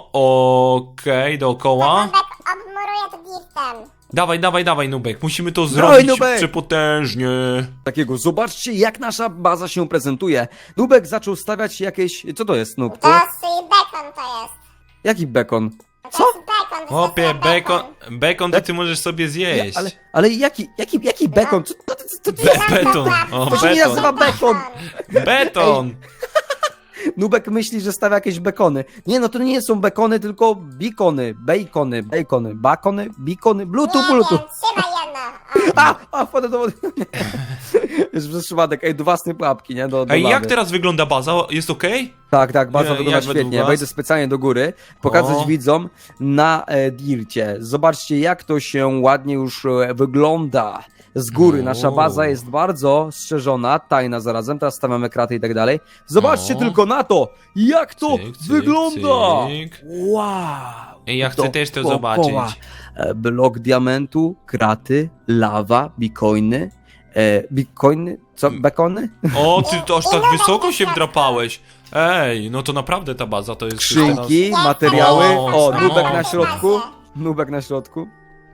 [SPEAKER 4] Okej, dookoła.
[SPEAKER 3] Nubek obmuruje to dirtem.
[SPEAKER 4] Dawaj, dawaj, dawaj, Nubek. Musimy to
[SPEAKER 2] Dawaj,
[SPEAKER 4] zrobić
[SPEAKER 2] Nubek!
[SPEAKER 4] przepotężnie.
[SPEAKER 2] Takiego, zobaczcie jak nasza baza się prezentuje. Nubek zaczął stawiać jakieś... Co to jest, Nubku?
[SPEAKER 3] To jest bekon to jest.
[SPEAKER 2] Jaki bekon?
[SPEAKER 3] To
[SPEAKER 2] Co?
[SPEAKER 3] jest bekon.
[SPEAKER 4] Chłopie,
[SPEAKER 3] wystarczy
[SPEAKER 4] bekon, bekon to ty możesz sobie
[SPEAKER 2] Nie,
[SPEAKER 4] zjeść.
[SPEAKER 2] ale, ale jaki, jaki, jaki bekon? Co, co, co, co,
[SPEAKER 4] Be beton. O,
[SPEAKER 2] To się nie nazywa
[SPEAKER 4] beton.
[SPEAKER 2] bekon.
[SPEAKER 4] Beton.
[SPEAKER 2] Nubek myśli, że stawia jakieś bekony. Nie, no to nie są bekony, tylko bikony, bacony, bacony, bakony, bikony, bluetooth,
[SPEAKER 3] Nie
[SPEAKER 2] bluetooth.
[SPEAKER 3] wiem, trzymaj jedno. O.
[SPEAKER 2] A, a, wpadę do wody. Jest przez przypadek, ej, do własnej pułapki, nie? Do, do
[SPEAKER 4] Ej, jak
[SPEAKER 2] lawy.
[SPEAKER 4] teraz wygląda baza? Jest okej?
[SPEAKER 2] Tak, tak, bardzo
[SPEAKER 4] Nie,
[SPEAKER 2] wygląda
[SPEAKER 4] jak według
[SPEAKER 2] świetnie.
[SPEAKER 4] was?
[SPEAKER 2] Wejdę specjalnie do góry, pokazać
[SPEAKER 4] O.
[SPEAKER 2] widzom na e, dircie. Zobaczcie, jak to się ładnie już e, wygląda. Z góry
[SPEAKER 4] O.
[SPEAKER 2] nasza baza jest bardzo strzeżona, tajna zarazem. Teraz stawiamy kraty i tak dalej. Zobaczcie
[SPEAKER 4] O.
[SPEAKER 2] tylko na to, jak to
[SPEAKER 4] Cyk, cyk,
[SPEAKER 2] wygląda.
[SPEAKER 4] cyk.
[SPEAKER 2] Wow.
[SPEAKER 4] Ej, ja chcę też to
[SPEAKER 2] Dookoła.
[SPEAKER 4] zobaczyć.
[SPEAKER 2] E, Blok diamentu, kraty, lawa, bitcoiny. E, bitcoiny? Co? Bekony?
[SPEAKER 4] O, ty to aż tak wysoko się wdrapałeś. Ej, no to naprawdę ta baza to jest już
[SPEAKER 2] Skrzynki, materiały.
[SPEAKER 4] O,
[SPEAKER 2] O, nubek
[SPEAKER 4] no.
[SPEAKER 2] na środku. Nubek na środku.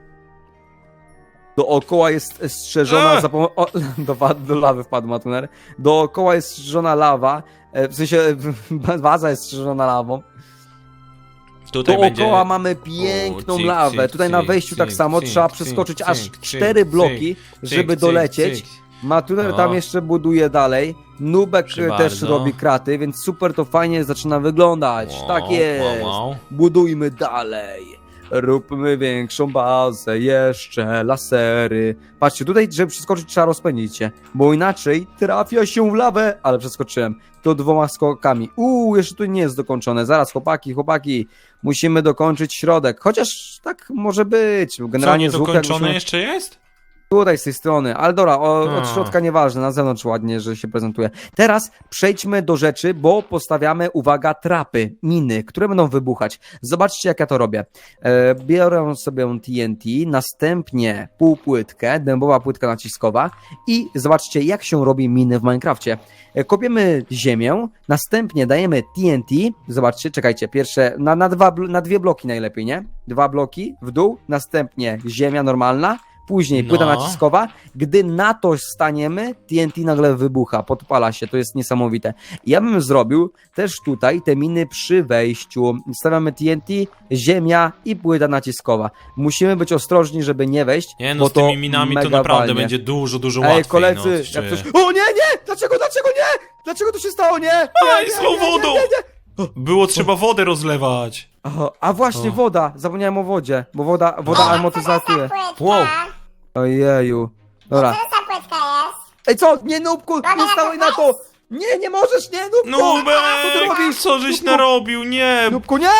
[SPEAKER 2] Dookoła jest strzeżona
[SPEAKER 4] Eee!
[SPEAKER 2] za pomocą... O, do, wa- do lawy wpadł Matuner. Dookoła jest strzeżona lawa. E, W sensie baza jest strzeżona lawą.
[SPEAKER 4] Tutaj
[SPEAKER 2] Dookoła
[SPEAKER 4] będzie...
[SPEAKER 2] mamy piękną
[SPEAKER 4] O, cyk,
[SPEAKER 2] lawę.
[SPEAKER 4] cyk,
[SPEAKER 2] Tutaj na
[SPEAKER 4] cyk,
[SPEAKER 2] wejściu tak
[SPEAKER 4] cyk,
[SPEAKER 2] samo
[SPEAKER 4] cyk,
[SPEAKER 2] trzeba
[SPEAKER 4] cyk,
[SPEAKER 2] przeskoczyć
[SPEAKER 4] cyk,
[SPEAKER 2] aż
[SPEAKER 4] cyk,
[SPEAKER 2] cztery
[SPEAKER 4] cyk,
[SPEAKER 2] bloki,
[SPEAKER 4] cyk,
[SPEAKER 2] żeby
[SPEAKER 4] cyk,
[SPEAKER 2] dolecieć.
[SPEAKER 4] cyk.
[SPEAKER 2] Matuner
[SPEAKER 4] O.
[SPEAKER 2] tam jeszcze buduje dalej. Nubek
[SPEAKER 4] Proszę
[SPEAKER 2] e, też
[SPEAKER 4] bardzo.
[SPEAKER 2] robi kraty, więc super to fajnie zaczyna wyglądać.
[SPEAKER 4] Wow,
[SPEAKER 2] Tak jest.
[SPEAKER 4] wow, wow.
[SPEAKER 2] Budujmy dalej. Róbmy większą bazę, jeszcze lasery. Patrzcie, tutaj, żeby przeskoczyć, trzeba rozpędzić się, bo inaczej trafia się w lawę, ale przeskoczyłem. To dwoma skokami. Uuu, jeszcze tu nie jest dokończone. Zaraz, chłopaki, chłopaki, musimy dokończyć środek. Chociaż tak może być.
[SPEAKER 4] Co,
[SPEAKER 2] Generalnie z łukiem
[SPEAKER 4] niedokończone
[SPEAKER 2] musimy...
[SPEAKER 4] jeszcze jest?
[SPEAKER 2] Tutaj z tej strony, ale dobra, o,
[SPEAKER 4] A.
[SPEAKER 2] od środka nieważne, na zewnątrz ładnie, że się prezentuje. Teraz przejdźmy do rzeczy, bo postawiamy, uwaga, trapy, miny, które będą wybuchać. Zobaczcie, jak ja to robię. E, biorę sobie T N T, następnie półpłytkę, dębowa płytka naciskowa i zobaczcie, jak się robi miny w Minecrafcie. E, kopiemy ziemię, następnie dajemy T N T, zobaczcie, czekajcie, pierwsze, na, na, dwa, bl- na dwie bloki najlepiej, nie? Dwa bloki w dół, następnie ziemia normalna, Później płyta
[SPEAKER 4] No.
[SPEAKER 2] naciskowa, gdy na to staniemy, T N T nagle wybucha, podpala się, to jest niesamowite. Ja bym zrobił też tutaj te miny przy wejściu. Stawiamy T N T, ziemia i płyta naciskowa. Musimy być ostrożni, żeby nie wejść,
[SPEAKER 4] Nie no,
[SPEAKER 2] bo
[SPEAKER 4] z tymi
[SPEAKER 2] to
[SPEAKER 4] minami to
[SPEAKER 2] mega
[SPEAKER 4] naprawdę
[SPEAKER 2] walnie.
[SPEAKER 4] będzie dużo, dużo łatwiej.
[SPEAKER 2] Ej, koledzy,
[SPEAKER 4] no,
[SPEAKER 2] jak
[SPEAKER 4] czy-
[SPEAKER 2] coś... O nie, nie! Dlaczego, dlaczego nie? Dlaczego to się stało, nie? Nie,
[SPEAKER 4] Aj,
[SPEAKER 2] nie,
[SPEAKER 4] z tą
[SPEAKER 2] nie, nie,
[SPEAKER 4] wodą!
[SPEAKER 2] nie, nie.
[SPEAKER 4] Było trzeba wodę rozlewać.
[SPEAKER 2] Aha, a właśnie,
[SPEAKER 4] O.
[SPEAKER 2] woda. Zapomniałem o wodzie, bo woda, woda amortyzatuje.
[SPEAKER 4] Wow.
[SPEAKER 2] Ojeju. Dobra.
[SPEAKER 3] Co to za płytka jest?
[SPEAKER 2] Ej, co? Nie, Nubku, nie stałeś na to! Nie, nie możesz, nie, Nubku! Co ty
[SPEAKER 4] Nubek,
[SPEAKER 2] robisz?
[SPEAKER 4] co żeś
[SPEAKER 2] Nubku?
[SPEAKER 4] narobił? Nie!
[SPEAKER 2] Nubku, nie!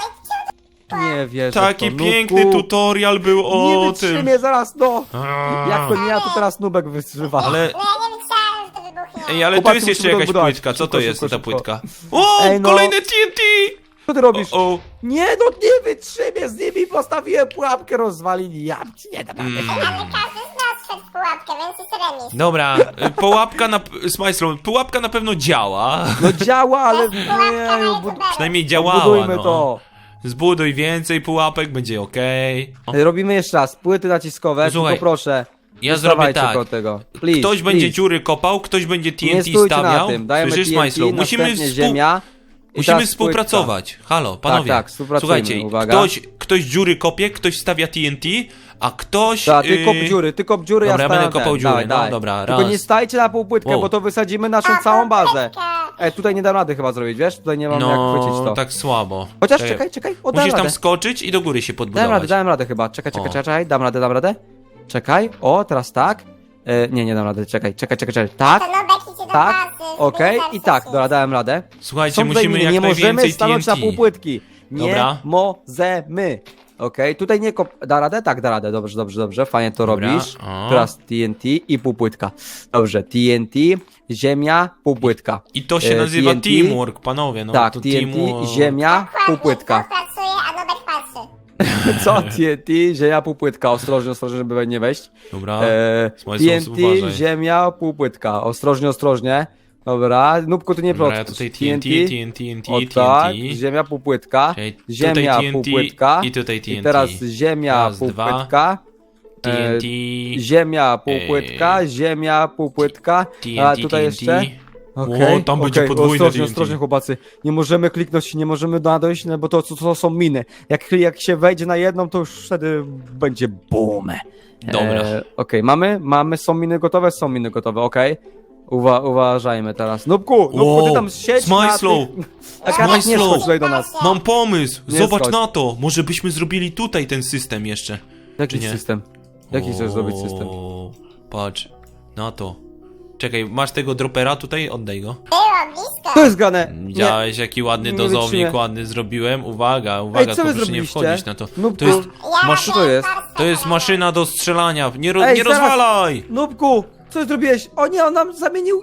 [SPEAKER 2] Nie wierzę
[SPEAKER 4] Taki
[SPEAKER 2] w to,
[SPEAKER 4] piękny
[SPEAKER 2] Nubku.
[SPEAKER 4] tutorial był
[SPEAKER 2] Nie
[SPEAKER 4] o tym.
[SPEAKER 2] wytrzymie zaraz, no!
[SPEAKER 4] A.
[SPEAKER 2] Jak to nie ja, to teraz Nubek wytrzyma.
[SPEAKER 4] Ale,
[SPEAKER 3] No ja nie myślałem, że to wybuchnie.
[SPEAKER 4] ej, ale tu
[SPEAKER 2] Chłopacy,
[SPEAKER 4] jest jeszcze
[SPEAKER 2] musimy to
[SPEAKER 4] jakaś
[SPEAKER 2] odbudować.
[SPEAKER 4] płytka. Co
[SPEAKER 2] Szybko,
[SPEAKER 4] to jest
[SPEAKER 2] szybko,
[SPEAKER 4] ta
[SPEAKER 2] szybko.
[SPEAKER 4] płytka? O,
[SPEAKER 2] Ej, no.
[SPEAKER 4] kolejne T N T!
[SPEAKER 2] Co ty robisz?
[SPEAKER 4] O, o.
[SPEAKER 2] Nie, no nie wytrzymie, z nimi postawiłem pułapkę, rozwalili. Ja ci nie dam rady.
[SPEAKER 4] Mm.
[SPEAKER 3] Ale każdy z nas wszedł w pułapkę, więc jest remis.
[SPEAKER 4] Dobra, y, pułapka na... Smajslow, pułapka na pewno działa.
[SPEAKER 2] No działa, ale...
[SPEAKER 3] Pułapka na
[SPEAKER 2] Nie,
[SPEAKER 3] YouTubera.
[SPEAKER 4] Przynajmniej działała,
[SPEAKER 2] budujmy
[SPEAKER 4] no.
[SPEAKER 2] to.
[SPEAKER 4] Zbuduj więcej pułapek, będzie okej. O,
[SPEAKER 2] Robimy jeszcze raz, płyty naciskowe,
[SPEAKER 4] Słuchaj,
[SPEAKER 2] tylko proszę.
[SPEAKER 4] Ja
[SPEAKER 2] nie
[SPEAKER 4] zrobię
[SPEAKER 2] stawajcie
[SPEAKER 4] tak.
[SPEAKER 2] koło tego. Please,
[SPEAKER 4] Ktoś będzie
[SPEAKER 2] please.
[SPEAKER 4] dziury kopał, ktoś będzie T
[SPEAKER 2] Nie
[SPEAKER 4] N T
[SPEAKER 2] stójcie na
[SPEAKER 4] stawiał.
[SPEAKER 2] tym, dajemy
[SPEAKER 4] Słyszysz,
[SPEAKER 2] T N T,
[SPEAKER 4] Smajslow? Musimy,
[SPEAKER 2] następnie
[SPEAKER 4] współ...
[SPEAKER 2] ziemia i
[SPEAKER 4] Musimy
[SPEAKER 2] teraz
[SPEAKER 4] współpracować. Halo, panowie.
[SPEAKER 2] tak, współpracujmy,
[SPEAKER 4] Słuchajcie,
[SPEAKER 2] uwaga.
[SPEAKER 4] ktoś, ktoś dziury kopie, ktoś stawia T N T, a ktoś...
[SPEAKER 2] Tak, ty
[SPEAKER 4] yy,
[SPEAKER 2] kop dziury, ty kop dziury,
[SPEAKER 4] Dobra,
[SPEAKER 2] ja
[SPEAKER 4] ja będę
[SPEAKER 2] stawiam
[SPEAKER 4] kopał
[SPEAKER 2] ten.
[SPEAKER 4] dziury,
[SPEAKER 2] Dawaj,
[SPEAKER 4] no
[SPEAKER 2] dawaj.
[SPEAKER 4] dobra,
[SPEAKER 2] Tylko
[SPEAKER 4] raz.
[SPEAKER 2] nie stajcie na półpłytkę,
[SPEAKER 4] Wow.
[SPEAKER 2] bo to wysadzimy naszą całą bazę. E, tutaj nie dam rady chyba zrobić, wiesz? Tutaj nie mam jak chwycić
[SPEAKER 4] No,
[SPEAKER 2] to.
[SPEAKER 4] tak słabo.
[SPEAKER 2] Chociaż czekaj, czekaj, o, dam
[SPEAKER 4] Musisz tam
[SPEAKER 2] radę.
[SPEAKER 4] skoczyć i do góry się
[SPEAKER 2] Dałem
[SPEAKER 4] podbudować.
[SPEAKER 2] radę, dałem radę chyba. Czekaj, czekaj,
[SPEAKER 4] O.
[SPEAKER 2] czekaj, dam radę, dam radę. Czekaj, o, teraz tak. E, nie, nie dam rady, czekaj, czekaj, czekaj, czekaj. Tak,
[SPEAKER 3] To Nubek idzie do
[SPEAKER 2] tak,
[SPEAKER 3] bazy.
[SPEAKER 2] okej,
[SPEAKER 3] żeby
[SPEAKER 2] i tak,
[SPEAKER 3] zacząć.
[SPEAKER 2] dobra, dałem radę.
[SPEAKER 4] Słuchajcie,
[SPEAKER 2] Są tutaj
[SPEAKER 4] musimy
[SPEAKER 2] miny,
[SPEAKER 4] jak
[SPEAKER 2] nie możemy
[SPEAKER 4] najwięcej
[SPEAKER 2] stanąć
[SPEAKER 4] T N
[SPEAKER 2] na
[SPEAKER 4] T.
[SPEAKER 2] półpłytki. Nie
[SPEAKER 4] Dobra.
[SPEAKER 2] możemy. Okej, tutaj nie kop... Da radę? Tak, da radę. Dobrze, dobrze, dobrze. Fajnie to
[SPEAKER 4] Dobra,
[SPEAKER 2] robisz.
[SPEAKER 4] o.
[SPEAKER 2] Teraz T N T i półpłytka. Dobrze, T N T, ziemia, półpłytka.
[SPEAKER 4] I to się
[SPEAKER 2] E,
[SPEAKER 4] nazywa
[SPEAKER 2] T N T.
[SPEAKER 4] teamwork, panowie. No,
[SPEAKER 2] tak,
[SPEAKER 4] to
[SPEAKER 2] T N T,
[SPEAKER 4] teamwork.
[SPEAKER 2] ziemia,
[SPEAKER 3] Dokładnie,
[SPEAKER 2] półpłytka.
[SPEAKER 3] kto pracuje, a Nubek patrzy.
[SPEAKER 2] Co? T N T, ziemia, półpłytka. Ostrożnie, ostrożnie, żeby nie wejść.
[SPEAKER 4] Dobra,
[SPEAKER 2] E,
[SPEAKER 4] Smajslow,
[SPEAKER 2] T N T,
[SPEAKER 4] uważaj.
[SPEAKER 2] ziemia, półpłytka. Ostrożnie, ostrożnie. Dobra, Nubku, ty nie
[SPEAKER 4] Dobra,
[SPEAKER 2] proszę.
[SPEAKER 4] ja tutaj T N T, T N T, T N T,
[SPEAKER 2] O
[SPEAKER 4] T
[SPEAKER 2] tak,
[SPEAKER 4] N T.
[SPEAKER 2] ziemia, półpłytka.
[SPEAKER 4] Okej, tutaj
[SPEAKER 2] Ziemia,
[SPEAKER 4] T N T
[SPEAKER 2] półpłytka.
[SPEAKER 4] i tutaj T N T.
[SPEAKER 2] I teraz ziemia,
[SPEAKER 4] Raz,
[SPEAKER 2] półpłytka.
[SPEAKER 4] T N T,
[SPEAKER 2] E, ziemia, półpłytka, ziemia, półpłytka.
[SPEAKER 4] T N
[SPEAKER 2] A
[SPEAKER 4] T,
[SPEAKER 2] tutaj
[SPEAKER 4] T N
[SPEAKER 2] jeszcze?
[SPEAKER 4] T.
[SPEAKER 2] Okej,
[SPEAKER 4] O, tam będzie
[SPEAKER 2] okej,
[SPEAKER 4] podwójne
[SPEAKER 2] ostrożnie,
[SPEAKER 4] T N T.
[SPEAKER 2] ostrożnie chłopacy. Nie możemy kliknąć, nie możemy nadejść, no bo to, to, to są miny. Jak, jak się wejdzie na jedną, to już wtedy będzie boom.
[SPEAKER 4] Dobra.
[SPEAKER 2] E, okej, mamy, mamy, są miny gotowe, są miny gotowe, okej. Uwa, uważajmy teraz. Nubku, Nubku, ty
[SPEAKER 4] Wow,
[SPEAKER 2] tam siedź
[SPEAKER 4] Smajslow,
[SPEAKER 2] na tych... Taka nie
[SPEAKER 4] Smajslow.
[SPEAKER 2] schodź tutaj do nas.
[SPEAKER 4] Mam pomysł!
[SPEAKER 2] Nie
[SPEAKER 4] Zobacz
[SPEAKER 2] schodź.
[SPEAKER 4] na to! Może byśmy zrobili tutaj ten system jeszcze.
[SPEAKER 2] Jaki
[SPEAKER 4] Czy nie?
[SPEAKER 2] system? Jaki chcesz zrobić system?
[SPEAKER 4] O, patrz, na to. Czekaj, masz tego dropera tutaj? Oddaj go.
[SPEAKER 3] Było blisko.
[SPEAKER 2] To jest grane! Nie.
[SPEAKER 4] Widziałeś, jaki ładny
[SPEAKER 2] nie
[SPEAKER 4] dozownik,
[SPEAKER 2] wytrzymię.
[SPEAKER 4] ładny zrobiłem? Uwaga, uwaga,
[SPEAKER 2] Ej, co wy
[SPEAKER 4] to proszę nie
[SPEAKER 2] zrobiliście?
[SPEAKER 4] wchodzić na to.
[SPEAKER 2] Nubku,
[SPEAKER 4] To jest,
[SPEAKER 3] Ja
[SPEAKER 4] masz,
[SPEAKER 2] to jest?
[SPEAKER 4] to jest maszyna do strzelania, nie, ro,
[SPEAKER 2] Ej,
[SPEAKER 4] nie
[SPEAKER 2] zaraz.
[SPEAKER 4] rozwalaj!
[SPEAKER 2] Nubku, co zrobiłeś? O nie, on nam zamienił...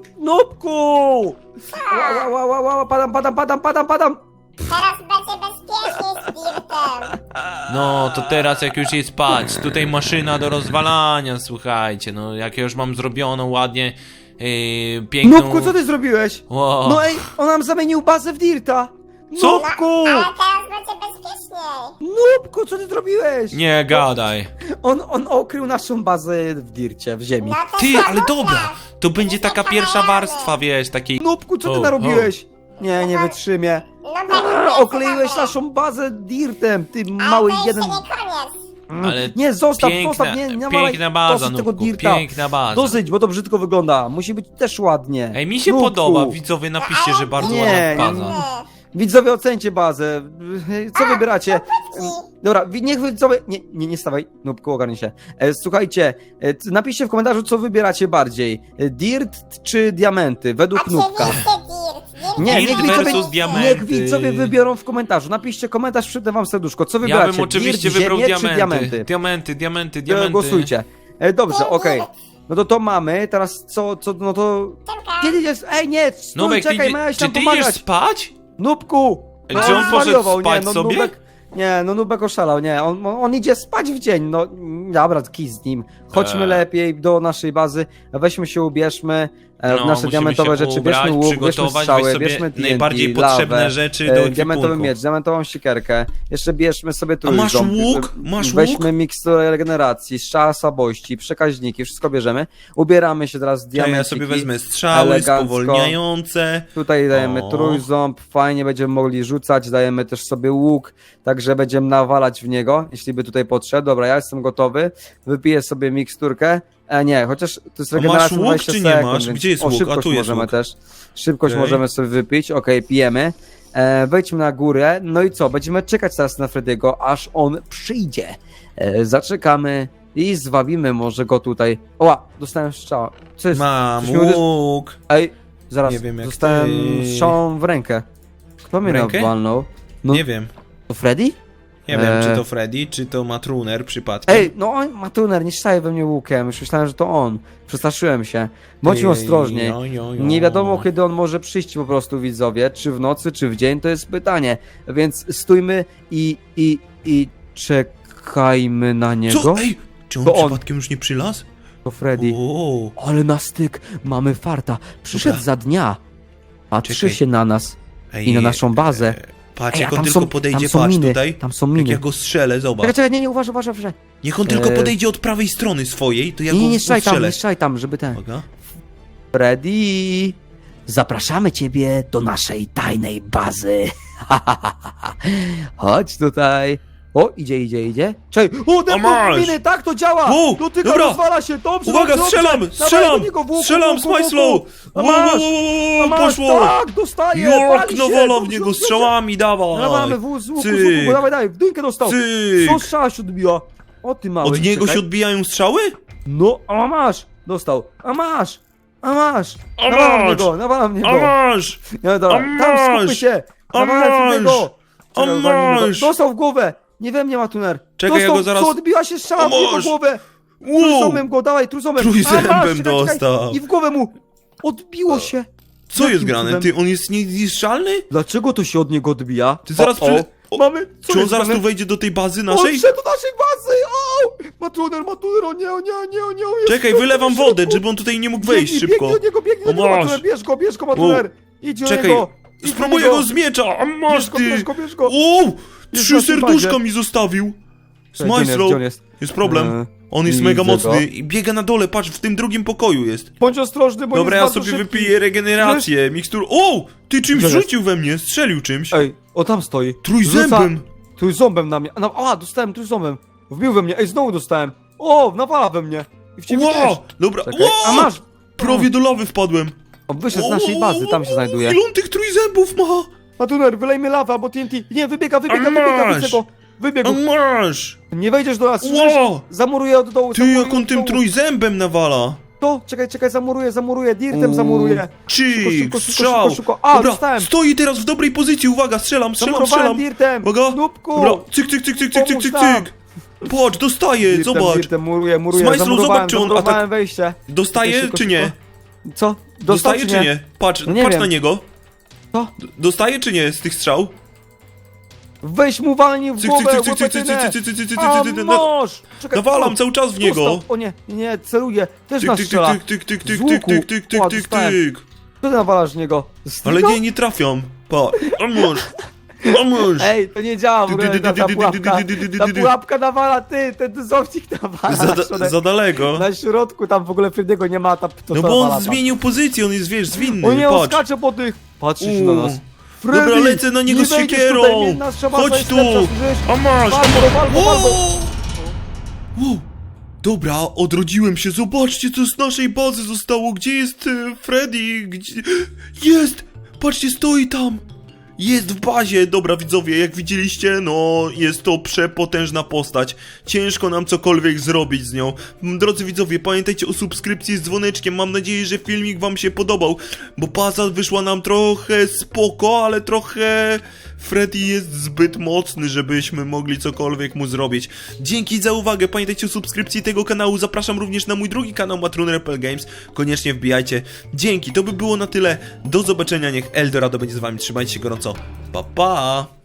[SPEAKER 2] Nubku! Ła, ła, ła, ła, ła, padam, padam, padam, padam, padam!
[SPEAKER 3] Teraz będzie bezpiecznie z Dirtem.
[SPEAKER 4] No, to teraz jak już jest, patrz, tutaj maszyna do rozwalania, słuchajcie, no, jak ja już mam zrobioną ładnie, yy, piękną...
[SPEAKER 2] Nubku, co ty zrobiłeś?
[SPEAKER 4] Wow.
[SPEAKER 2] No ej, on nam zamienił bazę w Dirta!
[SPEAKER 4] Co?
[SPEAKER 2] Nubku!
[SPEAKER 3] Ale teraz będzie bezpieczniej.
[SPEAKER 2] Nubku, co ty zrobiłeś?
[SPEAKER 4] Nie gadaj.
[SPEAKER 2] On, on okrył naszą bazę w Dircie, w ziemi.
[SPEAKER 3] No to
[SPEAKER 4] Ty,
[SPEAKER 3] co,
[SPEAKER 4] ale
[SPEAKER 3] Nubek?
[SPEAKER 4] dobra, to będzie taka pierwsza warstwa, wiesz, takiej...
[SPEAKER 2] Nubku, co ty
[SPEAKER 4] O,
[SPEAKER 2] narobiłeś? Nie, nie wytrzymię.
[SPEAKER 3] Nubek,
[SPEAKER 2] Brrr,
[SPEAKER 3] nie
[SPEAKER 2] okleiłeś
[SPEAKER 3] sobie.
[SPEAKER 2] naszą bazę Dirtem, ty
[SPEAKER 3] Ale
[SPEAKER 2] mały
[SPEAKER 3] to jeszcze
[SPEAKER 2] jeden...
[SPEAKER 3] nie koniec.
[SPEAKER 2] Mm,
[SPEAKER 4] Ale
[SPEAKER 2] nie, zostaw,
[SPEAKER 4] piękna,
[SPEAKER 2] zostaw, nie, nie nawalaj.
[SPEAKER 4] piękna baza,
[SPEAKER 2] Dosyć tego
[SPEAKER 4] Nubku,
[SPEAKER 2] Dirta.
[SPEAKER 4] piękna baza.
[SPEAKER 2] Dosyć, bo to brzydko wygląda. Musi być też ładnie.
[SPEAKER 4] Ej, mi się
[SPEAKER 2] Nubku.
[SPEAKER 4] podoba, widzowie, napiszcie, że bardzo
[SPEAKER 2] Nie,
[SPEAKER 4] ładna baza.
[SPEAKER 3] Nie.
[SPEAKER 2] Widzowie, ocencie bazę. Co wybieracie? Dobra, wi- niech widzowie... Nie, nie, nie stawaj. Nubku, ogarnij się. E, słuchajcie, e, c- napiszcie w komentarzu, co wybieracie bardziej. E, Dirt czy diamenty? Według Nubka.
[SPEAKER 3] Oczywiście Dirt.
[SPEAKER 2] Nie,
[SPEAKER 4] Dirt
[SPEAKER 2] niech widzowie,
[SPEAKER 4] versus diamenty.
[SPEAKER 2] niech widzowie wybiorą w komentarzu. Napiszcie komentarz, przyda wam serduszko. Co
[SPEAKER 4] Ja
[SPEAKER 2] wybieracie?
[SPEAKER 4] bym oczywiście
[SPEAKER 2] Dirt,
[SPEAKER 4] wybrał
[SPEAKER 2] ziemię
[SPEAKER 4] diamenty.
[SPEAKER 2] czy diamenty?
[SPEAKER 4] Diamenty, diamenty,
[SPEAKER 2] E,
[SPEAKER 4] diamenty.
[SPEAKER 2] Głosujcie. E, dobrze, okej. No to to mamy, teraz co, co, no to...
[SPEAKER 3] Czemka.
[SPEAKER 2] Kiedy jest? Ej, nie, stój,
[SPEAKER 4] Nubek, ty,
[SPEAKER 2] czekaj,
[SPEAKER 4] idzie-
[SPEAKER 2] miałeś
[SPEAKER 4] czy
[SPEAKER 2] nam
[SPEAKER 4] ty idziesz
[SPEAKER 2] pomagać.
[SPEAKER 4] spać?
[SPEAKER 2] Nubku!
[SPEAKER 4] Ej,
[SPEAKER 2] No,
[SPEAKER 4] czy on poszedł
[SPEAKER 2] zwariował,
[SPEAKER 4] spać
[SPEAKER 2] no,
[SPEAKER 4] sobie?
[SPEAKER 2] Nubek, nie, no Nubek oszalał, nie, on, on, on idzie spać w dzień, no dobra, kij z nim. Chodźmy
[SPEAKER 4] Eee.
[SPEAKER 2] lepiej do naszej bazy, weźmy się, ubierzmy, E, w
[SPEAKER 4] No,
[SPEAKER 2] nasze
[SPEAKER 4] musimy
[SPEAKER 2] diamentowe
[SPEAKER 4] się
[SPEAKER 2] rzeczy
[SPEAKER 4] ubrać,
[SPEAKER 2] bierzmy łuk, bierzmy
[SPEAKER 4] przygotować,
[SPEAKER 2] strzały,
[SPEAKER 4] weź sobie
[SPEAKER 2] bierzmy T N T,
[SPEAKER 4] najbardziej
[SPEAKER 2] lawę,
[SPEAKER 4] potrzebne rzeczy do
[SPEAKER 2] e,
[SPEAKER 4] ekwipunku.
[SPEAKER 2] diamentowy miecz, diamentową siekierkę. Jeszcze bierzmy sobie
[SPEAKER 4] A masz
[SPEAKER 2] trójząb.
[SPEAKER 4] łuk? Masz
[SPEAKER 2] Weźmy
[SPEAKER 4] łuk?
[SPEAKER 2] miksturę regeneracji, strzała słabości, przekaźniki, wszystko bierzemy. Ubieramy się teraz w
[SPEAKER 4] Ja,
[SPEAKER 2] diamenciki.
[SPEAKER 4] ja sobie wezmę strzały
[SPEAKER 2] elegancko.
[SPEAKER 4] spowolniające.
[SPEAKER 2] Tutaj dajemy
[SPEAKER 4] O.
[SPEAKER 2] trójząb, fajnie będziemy mogli rzucać, dajemy też sobie łuk, także będziemy nawalać w niego, jeśli by tutaj podszedł. Dobra, ja jestem gotowy, wypiję sobie miksturkę. E, nie, chociaż to jest
[SPEAKER 4] A masz
[SPEAKER 2] regeneracja
[SPEAKER 4] łuk,
[SPEAKER 2] dwadzieścia
[SPEAKER 4] czy nie
[SPEAKER 2] sekund,
[SPEAKER 4] masz?
[SPEAKER 2] więc-
[SPEAKER 4] Gdzie jest
[SPEAKER 2] o,
[SPEAKER 4] łuk? A
[SPEAKER 2] szybkość
[SPEAKER 4] tu jest
[SPEAKER 2] możemy
[SPEAKER 4] łuk.
[SPEAKER 2] też. Szybkość
[SPEAKER 4] Okej.
[SPEAKER 2] możemy sobie wypić, okej, pijemy. E, wejdźmy na górę, no i co, będziemy czekać teraz na Frediego, aż on przyjdzie. E, zaczekamy i zwabimy może go tutaj. Oła, dostałem strzała. Co jest?
[SPEAKER 4] Mam
[SPEAKER 2] Coś mi uderzy-
[SPEAKER 4] łuk.
[SPEAKER 2] Ej, zaraz,
[SPEAKER 4] Nie wiem jak
[SPEAKER 2] dostałem
[SPEAKER 4] ty.
[SPEAKER 2] strzałą w rękę. Kto mnie
[SPEAKER 4] W rękę?
[SPEAKER 2] nawalnął? No,
[SPEAKER 4] Nie wiem.
[SPEAKER 2] to Freddy?
[SPEAKER 4] Nie wiem,
[SPEAKER 2] Eee.
[SPEAKER 4] czy to Freddy, czy to Matruner przypadkiem.
[SPEAKER 2] Ej, no on, Matuner, nie strzelaj we mnie łukiem, już myślałem, że to on. Przestraszyłem się. Bądźmy
[SPEAKER 4] Ej,
[SPEAKER 2] ostrożni.
[SPEAKER 4] jo, jo, jo.
[SPEAKER 2] Nie wiadomo, kiedy on może przyjść po prostu, widzowie, czy w nocy, czy w dzień, to jest pytanie. Więc stójmy i, i, i czekajmy na niego.
[SPEAKER 4] Co? Ej, czy on
[SPEAKER 2] To on.
[SPEAKER 4] przypadkiem już nie przylazł?
[SPEAKER 2] To Freddy.
[SPEAKER 4] O,
[SPEAKER 2] Ale na styk, mamy farta. Przyszedł
[SPEAKER 4] Dobra.
[SPEAKER 2] za dnia. Patrzy
[SPEAKER 4] Czekaj.
[SPEAKER 2] się na nas
[SPEAKER 4] ej,
[SPEAKER 2] i na naszą bazę.
[SPEAKER 4] e, Patrz,
[SPEAKER 2] Ej, a
[SPEAKER 4] jak on
[SPEAKER 2] tam
[SPEAKER 4] tylko
[SPEAKER 2] są-
[SPEAKER 4] podejdzie,
[SPEAKER 2] tam są
[SPEAKER 4] patrz
[SPEAKER 2] miny,
[SPEAKER 4] tutaj.
[SPEAKER 2] tam są
[SPEAKER 4] Jak
[SPEAKER 2] miny.
[SPEAKER 4] ja go strzelę, zobacz.
[SPEAKER 2] Czekaj, czekaj, nie, nie, uważaj, uważaj, uważaj.
[SPEAKER 4] Niech on tylko
[SPEAKER 2] Eee.
[SPEAKER 4] podejdzie od prawej strony swojej, to ja
[SPEAKER 2] Nie,
[SPEAKER 4] go
[SPEAKER 2] nie, nie strzelaj tam,
[SPEAKER 4] ustrzelę.
[SPEAKER 2] nie strzelaj tam, żeby ten...
[SPEAKER 4] Uwaga.
[SPEAKER 2] Freddy, zapraszamy ciebie do naszej tajnej bazy. Chodź tutaj. O, idzie, idzie, idzie. Czekaj, o,
[SPEAKER 4] A masz!
[SPEAKER 2] miny, tak to działa!
[SPEAKER 4] Wow,
[SPEAKER 2] Dotyka,
[SPEAKER 4] dobra.
[SPEAKER 2] rozwala się, dobrze,
[SPEAKER 4] Uwaga,
[SPEAKER 2] dobrze,
[SPEAKER 4] strzelam,
[SPEAKER 2] dobrze.
[SPEAKER 4] strzelam,
[SPEAKER 2] Dawaj do niego, w łuku,
[SPEAKER 4] strzelam
[SPEAKER 2] w
[SPEAKER 4] z
[SPEAKER 2] łuku, w
[SPEAKER 4] Majslą!
[SPEAKER 2] łuku. A
[SPEAKER 4] Wow,
[SPEAKER 2] masz,
[SPEAKER 4] wow, wow,
[SPEAKER 2] a
[SPEAKER 4] wow,
[SPEAKER 2] masz,
[SPEAKER 4] poszło!
[SPEAKER 2] tak, dostaje,
[SPEAKER 4] Jak
[SPEAKER 2] pali się,
[SPEAKER 4] nawala w
[SPEAKER 2] dobrze,
[SPEAKER 4] niego
[SPEAKER 2] dobrze,
[SPEAKER 4] strzałami, dawaj!
[SPEAKER 2] Dawamy w, z łuku, z
[SPEAKER 4] Cyk.
[SPEAKER 2] łuku, dawaj, dawaj, w dójkę dostał.
[SPEAKER 4] Cyk.
[SPEAKER 2] Co strzała się odbiła? O, ty mały,
[SPEAKER 4] Od niego
[SPEAKER 2] czekaj.
[SPEAKER 4] się odbijają strzały?
[SPEAKER 2] No, a masz, dostał, a masz, a masz.
[SPEAKER 4] A
[SPEAKER 2] Nawalam w
[SPEAKER 4] masz.
[SPEAKER 2] niego, nawalam w niego.
[SPEAKER 4] A masz!
[SPEAKER 2] No dobra,
[SPEAKER 4] A
[SPEAKER 2] tam
[SPEAKER 4] masz!
[SPEAKER 2] skupmy się!
[SPEAKER 4] A
[SPEAKER 2] Nawalaj w niego!
[SPEAKER 4] A
[SPEAKER 2] Czekaj, walnij go.
[SPEAKER 4] masz!
[SPEAKER 2] Dostał w głowę! Nie we mnie ma tuner!
[SPEAKER 4] Czekaj, ja
[SPEAKER 2] Dostał,
[SPEAKER 4] go zaraz-
[SPEAKER 2] co odbiła się strzała
[SPEAKER 4] A
[SPEAKER 2] w jego
[SPEAKER 4] masz!
[SPEAKER 2] głowę!
[SPEAKER 4] Wow!
[SPEAKER 2] Trójząbem go, dawaj, trójząbem!
[SPEAKER 4] Trójzębem
[SPEAKER 2] A, masz, czekaj, czekaj.
[SPEAKER 4] dostał.
[SPEAKER 2] I w głowę mu! Odbiło się!
[SPEAKER 4] Co
[SPEAKER 2] Jakim
[SPEAKER 4] jest grane?
[SPEAKER 2] cudem?
[SPEAKER 4] Ty, on jest niezniszczalny?
[SPEAKER 2] Dlaczego to się od niego odbija?
[SPEAKER 4] Ty zaraz
[SPEAKER 2] O, o.
[SPEAKER 4] przy- o,
[SPEAKER 2] Mamy... Co
[SPEAKER 4] Czy on
[SPEAKER 2] jest
[SPEAKER 4] zaraz
[SPEAKER 2] grane?
[SPEAKER 4] tu wejdzie do tej bazy
[SPEAKER 2] On
[SPEAKER 4] naszej?
[SPEAKER 2] wszedł do naszej bazy! O! Ma tuner, ma tuner, o nie, o nie, o nie, o nie, o nie!
[SPEAKER 4] Czekaj, wylewam wodę, żeby on tutaj nie mógł wejść
[SPEAKER 2] Biegnij,
[SPEAKER 4] szybko.
[SPEAKER 2] Biegnij do niego, biegnij do
[SPEAKER 4] O,
[SPEAKER 2] niego,
[SPEAKER 4] masz.
[SPEAKER 2] Matuner, bierz go, bierz go, Matuner! Idź do
[SPEAKER 4] Czekaj,
[SPEAKER 2] niego! Idź do
[SPEAKER 4] spróbuję
[SPEAKER 2] niego.
[SPEAKER 4] go z miecza, a masz
[SPEAKER 2] Bierz go,
[SPEAKER 4] ty!
[SPEAKER 2] bierz go, bierz go!
[SPEAKER 4] Uuu,
[SPEAKER 2] Jest
[SPEAKER 4] trzy
[SPEAKER 2] na tym
[SPEAKER 4] serduszka
[SPEAKER 2] bazie.
[SPEAKER 4] mi zostawił. Z
[SPEAKER 2] Gdzie on jest,
[SPEAKER 4] Majslą.
[SPEAKER 2] gdzie on jest?
[SPEAKER 4] Jest problem.
[SPEAKER 2] Eee,
[SPEAKER 4] On jest
[SPEAKER 2] widzę
[SPEAKER 4] mega
[SPEAKER 2] go.
[SPEAKER 4] mocny i biega na dole, patrz, w tym drugim pokoju jest.
[SPEAKER 2] Bądź ostrożny, bo
[SPEAKER 4] Dobra, ja
[SPEAKER 2] jest
[SPEAKER 4] sobie
[SPEAKER 2] bardzo szybki.
[SPEAKER 4] wypiję regenerację, mikstur. O! Ty czymś
[SPEAKER 2] Gdzie jest?
[SPEAKER 4] rzucił we mnie, strzelił czymś.
[SPEAKER 2] Ej, o tam stoi.
[SPEAKER 4] Trójzębem.
[SPEAKER 2] Rzuca trójząbem na mnie. A, no, a, dostałem trójząbem. Wbił we mnie. Ej, znowu dostałem. O, nawala we mnie. I w ciebie
[SPEAKER 4] Wow!
[SPEAKER 2] też.
[SPEAKER 4] Dobra,
[SPEAKER 2] Czekaj.
[SPEAKER 4] wow!
[SPEAKER 2] A masz.
[SPEAKER 4] Prawie do lawy wpadłem.
[SPEAKER 2] O, wyszedł z naszej bazy, tam się znajduje.
[SPEAKER 4] Ile on tych trójzębów ma?
[SPEAKER 2] Matuner, wylejmy lawę albo T N T. Nie, wybiega, wybiega,
[SPEAKER 4] A
[SPEAKER 2] wybiega,
[SPEAKER 4] masz.
[SPEAKER 2] widzę go. Wybiegł.
[SPEAKER 4] A masz!
[SPEAKER 2] Nie wejdziesz do nas, słyszysz?
[SPEAKER 4] Wow!
[SPEAKER 2] Zamuruję od dołu,
[SPEAKER 4] Ty,
[SPEAKER 2] zamuruję
[SPEAKER 4] jak on
[SPEAKER 2] od
[SPEAKER 4] tym
[SPEAKER 2] dołu.
[SPEAKER 4] trójzębem nawala.
[SPEAKER 2] To, czekaj, czekaj, zamuruję, zamuruję, dirtem zamuruję.
[SPEAKER 4] Czyk,
[SPEAKER 2] Szybko, szybko,
[SPEAKER 4] strzał.
[SPEAKER 2] szybko, szybko. A,
[SPEAKER 4] Dobra,
[SPEAKER 2] dostałem.
[SPEAKER 4] stoi teraz w dobrej pozycji, uwaga, strzelam, strzelam,
[SPEAKER 2] Zamurowałem
[SPEAKER 4] strzelam.
[SPEAKER 2] dirtem.
[SPEAKER 4] Uwaga,
[SPEAKER 2] Nubku.
[SPEAKER 4] dobra, cyk, cyk, cyk, cyk, cyk, cyk,
[SPEAKER 2] Pomóż
[SPEAKER 4] cyk,
[SPEAKER 2] nam.
[SPEAKER 4] cyk. Patrz, dostaje,
[SPEAKER 2] Dirtem,
[SPEAKER 4] zobacz.
[SPEAKER 2] dirtem, muruję, muruję,
[SPEAKER 4] Z Majslą
[SPEAKER 2] zamurowałem,
[SPEAKER 4] zobacz, czy on
[SPEAKER 2] zamurowałem
[SPEAKER 4] atak-
[SPEAKER 2] wejście.
[SPEAKER 4] Dostaje
[SPEAKER 2] Szybko,
[SPEAKER 4] czy
[SPEAKER 2] szybko.
[SPEAKER 4] nie?
[SPEAKER 2] Co? Dostał,
[SPEAKER 4] Dostaje czy nie? Patrz,
[SPEAKER 2] No nie
[SPEAKER 4] patrz
[SPEAKER 2] wiem.
[SPEAKER 4] na niego.
[SPEAKER 2] Co?
[SPEAKER 4] D- Dostaje czy nie z tych strzał?
[SPEAKER 2] Weź mu walnij w
[SPEAKER 4] Cyk,
[SPEAKER 2] głowę,
[SPEAKER 4] cyk, cyk, cyk, cyk,
[SPEAKER 2] łopatynę.
[SPEAKER 4] cyk, cyk, cyk, cyk,
[SPEAKER 2] A,
[SPEAKER 4] cyk, cyk, cyk,
[SPEAKER 2] mąż! Czekaj,
[SPEAKER 4] Nawalam
[SPEAKER 2] o,
[SPEAKER 4] cały czas w niego.
[SPEAKER 2] dostał. O nie, nie, nie, celuję. Też
[SPEAKER 4] Tyk,
[SPEAKER 2] nas
[SPEAKER 4] tyk,
[SPEAKER 2] strzela.
[SPEAKER 4] tyk, tyk, tyk,
[SPEAKER 2] Z
[SPEAKER 4] tyk,
[SPEAKER 2] łuku.
[SPEAKER 4] tyk, tyk, tyk, tyk,
[SPEAKER 2] O,
[SPEAKER 4] tyk,
[SPEAKER 2] dostałem.
[SPEAKER 4] tyk.
[SPEAKER 2] Co ty nawalasz w niego? Z
[SPEAKER 4] Ale
[SPEAKER 2] niego?
[SPEAKER 4] nie, nie trafiam. Pa, pomóż. Pomóż.
[SPEAKER 2] Ej, to nie działa w ogóle ta, ta pułapka. Ta pułapka nawala, ty, ten zownik nawala
[SPEAKER 4] Za,
[SPEAKER 2] na
[SPEAKER 4] da,
[SPEAKER 2] środek.
[SPEAKER 4] za daleko.
[SPEAKER 2] Na środku, tam w ogóle Freddy'ego nie ma, ta, to
[SPEAKER 4] No
[SPEAKER 2] to
[SPEAKER 4] bo
[SPEAKER 2] nawala
[SPEAKER 4] on
[SPEAKER 2] tam.
[SPEAKER 4] zmienił pozycję, on jest, wiesz, zwinny.
[SPEAKER 2] O nie, on
[SPEAKER 4] Patrz.
[SPEAKER 2] skacze po tych. Patrzy się na
[SPEAKER 4] Uuu.
[SPEAKER 2] nas.
[SPEAKER 4] Dobra,
[SPEAKER 2] Freddy,
[SPEAKER 4] lecę na niego
[SPEAKER 2] nie
[SPEAKER 4] z
[SPEAKER 2] wejdziesz
[SPEAKER 4] siekierą.
[SPEAKER 2] tutaj, nasza baza
[SPEAKER 4] Chodź
[SPEAKER 2] jest
[SPEAKER 4] tu.
[SPEAKER 2] lepsza, słyszysz?
[SPEAKER 4] A masz.
[SPEAKER 2] Wal go, wal go, wal go.
[SPEAKER 4] Wow. Wow. Dobra, odrodziłem się. Zobaczcie, co z naszej bazy zostało. Gdzie jest e, Freddy? Gdzie... Jest! Patrzcie, stoi tam. Jest w bazie. Dobra, widzowie, jak widzieliście, no jest to przepotężna postać. Ciężko nam cokolwiek zrobić z nią. Drodzy widzowie, pamiętajcie o subskrypcji z dzwoneczkiem. Mam nadzieję, że filmik wam się podobał, bo baza wyszła nam trochę spoko, ale trochę... Freddy jest zbyt mocny, żebyśmy mogli cokolwiek mu zrobić. Dzięki za uwagę, pamiętajcie o subskrypcji tego kanału, zapraszam również na mój drugi kanał Matruner P L Games, koniecznie wbijajcie. Dzięki, to by było na tyle, do zobaczenia, niech Eldorado będzie z wami, trzymajcie się gorąco, pa pa!